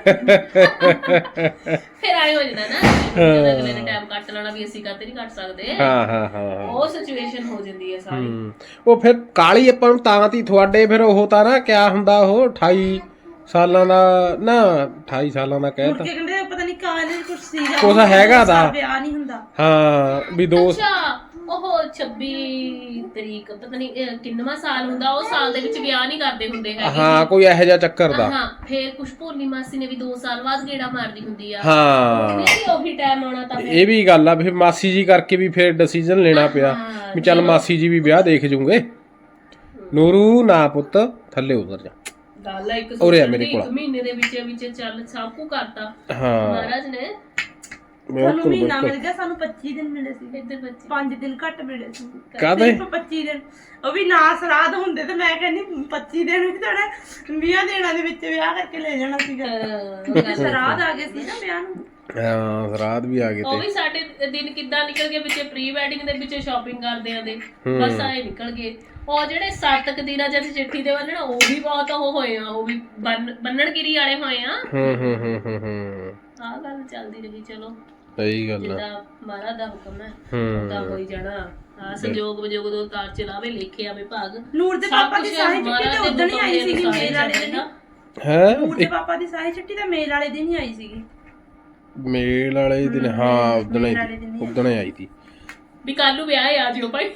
Speaker 2: ਫਿਰ ਆਏ ਹੋ ਜਾਂਦਾ ਨਾ ਜਦੋਂ ਅਗਲੇ ਨੇ ਟਾਈਮ ਕੱਟ ਲੈਣਾ ਵੀ ਅਸੀਂ ਕਾਤੇ ਨਹੀਂ ਕੱਟ ਸਕਦੇ
Speaker 1: ਹਾਂ ਹਾਂ ਹਾਂ
Speaker 2: ਉਹ ਸਿਚੁਏਸ਼ਨ ਹੋ ਜਾਂਦੀ ਹੈ ਸਾਰੀ
Speaker 1: ਹੂੰ। ਉਹ ਫਿਰ ਕਾਲੀ ਆਪਾਂ ਨੂੰ ਤਾਂ ਤੀ ਤੁਹਾਡੇ ਫਿਰ ਉਹ ਤਾਂ ਨਾ ਕਿਆ ਹੁੰਦਾ ਉਹ ਅਠਾਈ ਸਾਲਾਂ ਦਾ ਨਾ ਅਠਾਈ ਸਾਲਾਂ ਦਾ ਕਹਿ
Speaker 3: ਮੁੜ
Speaker 1: ਤਾ
Speaker 3: ਕੇ ਕਹਿੰਦੇ ਪਤਾ ਨਹੀਂ ਕਾਹਦੇ ਕੁਝ ਸੀਗਾ
Speaker 1: ਕੁਛ ਹੈਗਾ ਦਾ।
Speaker 3: ਵਿਆਹ ਨਹੀਂ ਹੁੰਦਾ
Speaker 1: ਹਾਂ ਵੀ ਦੋ
Speaker 2: ਅੱਛਾ ਉਹ ਛੱਬੀ ਤਰੀਕ ਪਤਾ ਨਹੀਂ ਇਹ ਕਿੰਨਵਾਂ ਸਾਲ ਹੁੰਦਾ ਉਹ ਸਾਲ ਦੇ ਵਿੱਚ ਵਿਆਹ ਨਹੀਂ ਕਰਦੇ ਹੁੰਦੇ ਹੈਗੇ
Speaker 1: ਹਾਂ ਕੋਈ ਇਹੋ ਜਿਹਾ ਚੱਕਰ ਦਾ
Speaker 2: ਹਾਂ ਫੇਰ ਕੁਛ ਭੋਲੀ ਮਾਸੀ ਨੇ ਵੀ ਦੋ ਸਾਲ ਬਾਅਦ ਗੇੜਾ ਮਾਰਦੀ ਹੁੰਦੀ ਆ
Speaker 1: ਹਾਂ
Speaker 2: ਉਹਨੇ ਵੀ ਉਹੀ ਟਾਈਮ ਆਉਣਾ ਤਾਂ ਫਿਰ
Speaker 1: ਇਹ ਵੀ ਗੱਲ ਆ ਫਿਰ ਮਾਸੀ ਜੀ ਕਰਕੇ ਵੀ ਫਿਰ ਡਿਸੀਜਨ ਲੈਣਾ ਪਿਆ
Speaker 2: ਹਾਂ,
Speaker 1: ਵੀ ਚੱਲ ਮਾਸੀ ਜੀ ਵੀ ਵਿਆਹ ਦੇਖ ਜੂਗੇ ਨੂਰੂ ਨਾ ਪੁੱਤ ਥੱਲੇ ਉਤਰ ਜਾ
Speaker 2: ਗੱਲ ਆ ਇੱਕ
Speaker 1: ਉਰੇ ਆ
Speaker 2: ਸੋਚਣ
Speaker 1: ਮੇਰੇ
Speaker 2: ਦੀ,
Speaker 1: ਕੋਲ।
Speaker 2: ਇੱਕ ਮਹੀਨੇ ਦੇ ਵਿੱਚ ਵਿੱਚ ਚੱਲ ਸਭ ਕੁ ਕਰਤਾ
Speaker 1: ਹਾਂ
Speaker 2: ਮਹਾਰਾਜ ਨੇ
Speaker 3: ਸਾਨੂੰ
Speaker 1: ਬਿਲਕੁਲ
Speaker 3: ਮਹੀਨਾ
Speaker 1: ਬਿਲਕੁਲ
Speaker 3: ਮਿਲ ਗਿਆ ਸਾਨੂੰ ਪੱਚੀ ਦਿਨ ਮਿਲੇ ਸੀ
Speaker 2: ਇੱਧਰ ਬੱਚੇ
Speaker 3: ਪੰਜ ਦਿਨ ਘੱਟ ਮਿਲੇ ਸੀ
Speaker 1: ਕਾਹਦੇ?
Speaker 3: ਸਿਰਫ ਪੱਚੀ ਦਿਨ ਉਹ ਵੀ ਨਾ ਸਰਾਧ ਹੁੰਦੇ ਤੇ ਮੈਂ ਕਹਿੰਦੀ ਪੱਚੀ ਦਿਨ ਵੀ ਤੁਹਾਡਾ ਵੀਹ ਦਿਨਾਂ ਦੇ ਵਿੱਚ ਵਿਆਹ ਕਰਕੇ ਲੈ ਜਾਣਾ ਸੀਗਾ ਕਿਉਂਕਿ ਸਰਾਧ ਆ ਗਏ ਸੀ ਨਾ ਵਿਆਹ ਨੂੰ
Speaker 1: ਹਾਂ ਸਰਾਧ ਵੀ ਆ ਗਏ
Speaker 2: ਉਹ
Speaker 1: ਤੇ
Speaker 2: ਵੀ ਸਾਡੇ ਦਿਨ ਕਿੱਦਾਂ ਨਿਕਲ ਗਏ ਵਿੱਚ ਪ੍ਰੀ ਵੈਡਿੰਗ ਦੇ ਵਿੱਚ ਸ਼ਾਪਿੰਗ ਕਰਦੇ ਆਂ ਦੇ ਬਸ ਆਏ ਨਿਕਲ ਗਏ ਉਹ ਜਿਹੜੇ ਸੱਤ ਕੁ ਦਿਨਾਂ ਜਦ ਚਿੱਠੀ ਦੇ ਬੰਨਣਾ ਉਹ ਵੀ ਬਹੁਤ ਉਹ ਹੋਏ ਆ ਉਹ ਵੀ ਬੰਨ ਬੰਨਣਗਿਰੀ ਵਾਲੇ ਹੋਏ ਆ
Speaker 1: ਹੂੰ ਹੂੰ ਹੂੰ ਹੂੰ ਹੂੰ
Speaker 2: ਆਹ ਗੱਲ ਚੱਲਦੀ ਰਹੀ ਚਲੋ
Speaker 1: ਸਹੀ ਗੱਲ ਆ
Speaker 2: ਜਿੱਦਾਂ ਮਹਾਰਾਜ ਦਾ ਹੁਕਮ ਹੈ
Speaker 1: ਹੂੰ
Speaker 2: ਤਾਂ ਹੋਈ ਜਾਣਾ ਆ ਸੰਜੋਗ ਵਿਜੋਗ ਦੋ ਤਾਰ ਚਲਾਵੇ ਲਿਖੇ ਆਵੇ ਭਾਗ
Speaker 3: ਨੂਰ ਦੇ
Speaker 2: ਸਭ
Speaker 3: ਪਾਪਾ ਦੀ
Speaker 2: ਕੁਛ
Speaker 3: ਸਾਰੀ ਚਿੱਠੀ
Speaker 2: ਮਹਾਰਾਜ
Speaker 3: ਤਾਂ
Speaker 2: ਦੇ
Speaker 3: ਉਦੋਂ ਹੀ
Speaker 2: ਹੁਕਮ
Speaker 3: ਆਈ
Speaker 2: ਦੇ
Speaker 3: ਸੀਗੀ
Speaker 2: ਅਨੁਸਾਰ
Speaker 3: ਮੇਲ ਵਾਲੇ ਦਿਨ
Speaker 2: ਚੱਲਣਾ।
Speaker 1: ਹੈ
Speaker 3: ਨੂਰ ਦੇ ਪਾਪਾ ਦੀ ਸਾਰੀ ਚਿੱਠੀ ਤਾਂ ਮੇਲ ਵਾਲੇ ਦਿਨ ਹੀ ਆਈ ਸੀਗੀ
Speaker 1: ਮੇਲ ਵਾਲੇ ਦਿਨ ਹਾਂ ਉਦਣ
Speaker 3: ਮੇਲ ਵਾਲੇ
Speaker 1: ਹੀ
Speaker 3: ਦਿਨ ਹੀ
Speaker 1: ਉਦਣ ਹੀ ਆਈ ਤੀ
Speaker 2: ਵੀ ਕੱਲ ਨੂੰ ਵਿਆਹ ਆ ਜਿਓ ਭਾਈ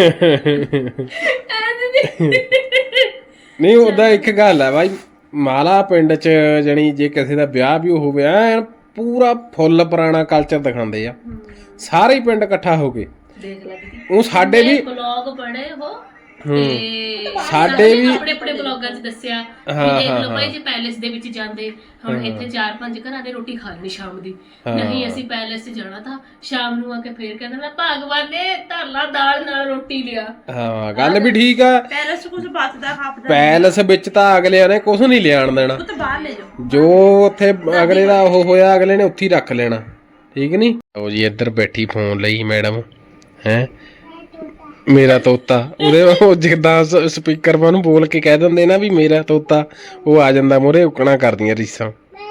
Speaker 1: ਨਹੀਂ ਉਹਦਾ ਇੱਕ ਗੱਲ ਹੈ ਬਾਈ ਮਾਲਾ ਪਿੰਡ ਚ ਜਣੀ ਜੇ ਕਿਸੇ ਦਾ ਵਿਆਹ ਵੀ ਹੋਵੇ ਐਨ ਪੂਰਾ ਫੁੱਲ ਪੁਰਾਣਾ ਕਲਚਰ ਦਿਖਾਉਂਦੇ ਆ ਸਾਰੇ ਹੀ ਪਿੰਡ ਇਕੱਠਾ ਹੋ ਕੇ
Speaker 2: ਦੇਖ ਲੈ ਦੀਦੀ
Speaker 1: ਉਹ ਸਾਡੇ ਵੀ
Speaker 2: ਬਲੌਗ ਪੜੇ ਉਹ
Speaker 1: ਹੂੰ
Speaker 2: ਤੇ
Speaker 1: ਸਾਡੇ ਵੀ
Speaker 2: ਆਪਣੇ ਆਪਣੇ ਬਲੌਗਾਂ 'ਚ ਦੱਸਿਆ
Speaker 1: ਹਾਂ,
Speaker 2: ਵੀ ਦੇਖ
Speaker 1: ਹਾਂ,
Speaker 2: ਲਓ ਭਾਈ
Speaker 1: ਹਾਂ।
Speaker 2: ਜੇ ਪੈਲੇਸ ਦੇ ਵਿੱਚ ਜਾਂਦੇ ਹੁਣ ਇੱਥੇ ਚਾਰ ਪੰਜ ਘਰਾਂ ਦੇ ਰੋਟੀ ਖਾ ਲੈਣੀ ਸ਼ਾਮ ਦੀ ਨਹੀਂ ਅਸੀਂ ਪੈਲੇਸ 'ਚ ਜਾਣਾ ਤਾਂ ਸ਼ਾਮ ਨੂੰ ਆ ਕੇ ਫੇਰ ਕਹਿੰਦਾ ਮੈਂ ਭਗਵਾਨ ਨੇ ਧਰਲਾ ਦਾਲ ਨਾਲ ਰੋਟੀ ਲਿਆ
Speaker 1: ਹਾਂ ਗੱਲ ਵੀ ਠੀਕ ਆ
Speaker 3: ਪੈਲਸ ਚ ਕੁਝ ਬਚਦਾ ਖਾਪਦਾ
Speaker 1: ਪੈਲਸ ਵਿੱਚ ਤਾਂ ਅਗਲਿਆਂ ਨੇ ਕੁਝ ਨਹੀਂ ਲਿਆਣ ਦੇਣਾ
Speaker 3: ਉਹ ਤਾਂ ਬਾਹਰ ਲੈ ਜਾਓ
Speaker 1: ਜੋ ਉੱਥੇ ਅਗਲੇ ਦਾ ਉਹ ਹੋਇਆ ਅਗਲੇ ਨੇ ਉੱਥੇ ਹੀ ਰੱਖ ਲੈਣਾ ਠੀਕ ਨਹੀਂ ਉਹ ਜੀ ਇੱਧਰ ਬੈਠੀ ਫੋਨ ਲਈ ਮੈਡਮ ਹੈ ਮੇਰਾ ਤੋਤਾ ਉਹਦੇ ਉਹ ਜਿੱਦਾਂ ਸਪੀਕਰ ਮਾ ਨੂੰ ਬੋਲ ਕੇ ਕਹਿ ਦਿੰਦੇ ਨਾ ਵੀ ਮੇਰਾ ਤੋਤਾ ਉਹ ਆ ਜਾਂਦਾ ਮੋਰੇ ਉਕਣਾ ਕਰਦੀਆਂ ਰੀਸਾਂ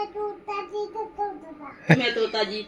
Speaker 3: ਮੈਂ ਤੋਤਾ ਜੀ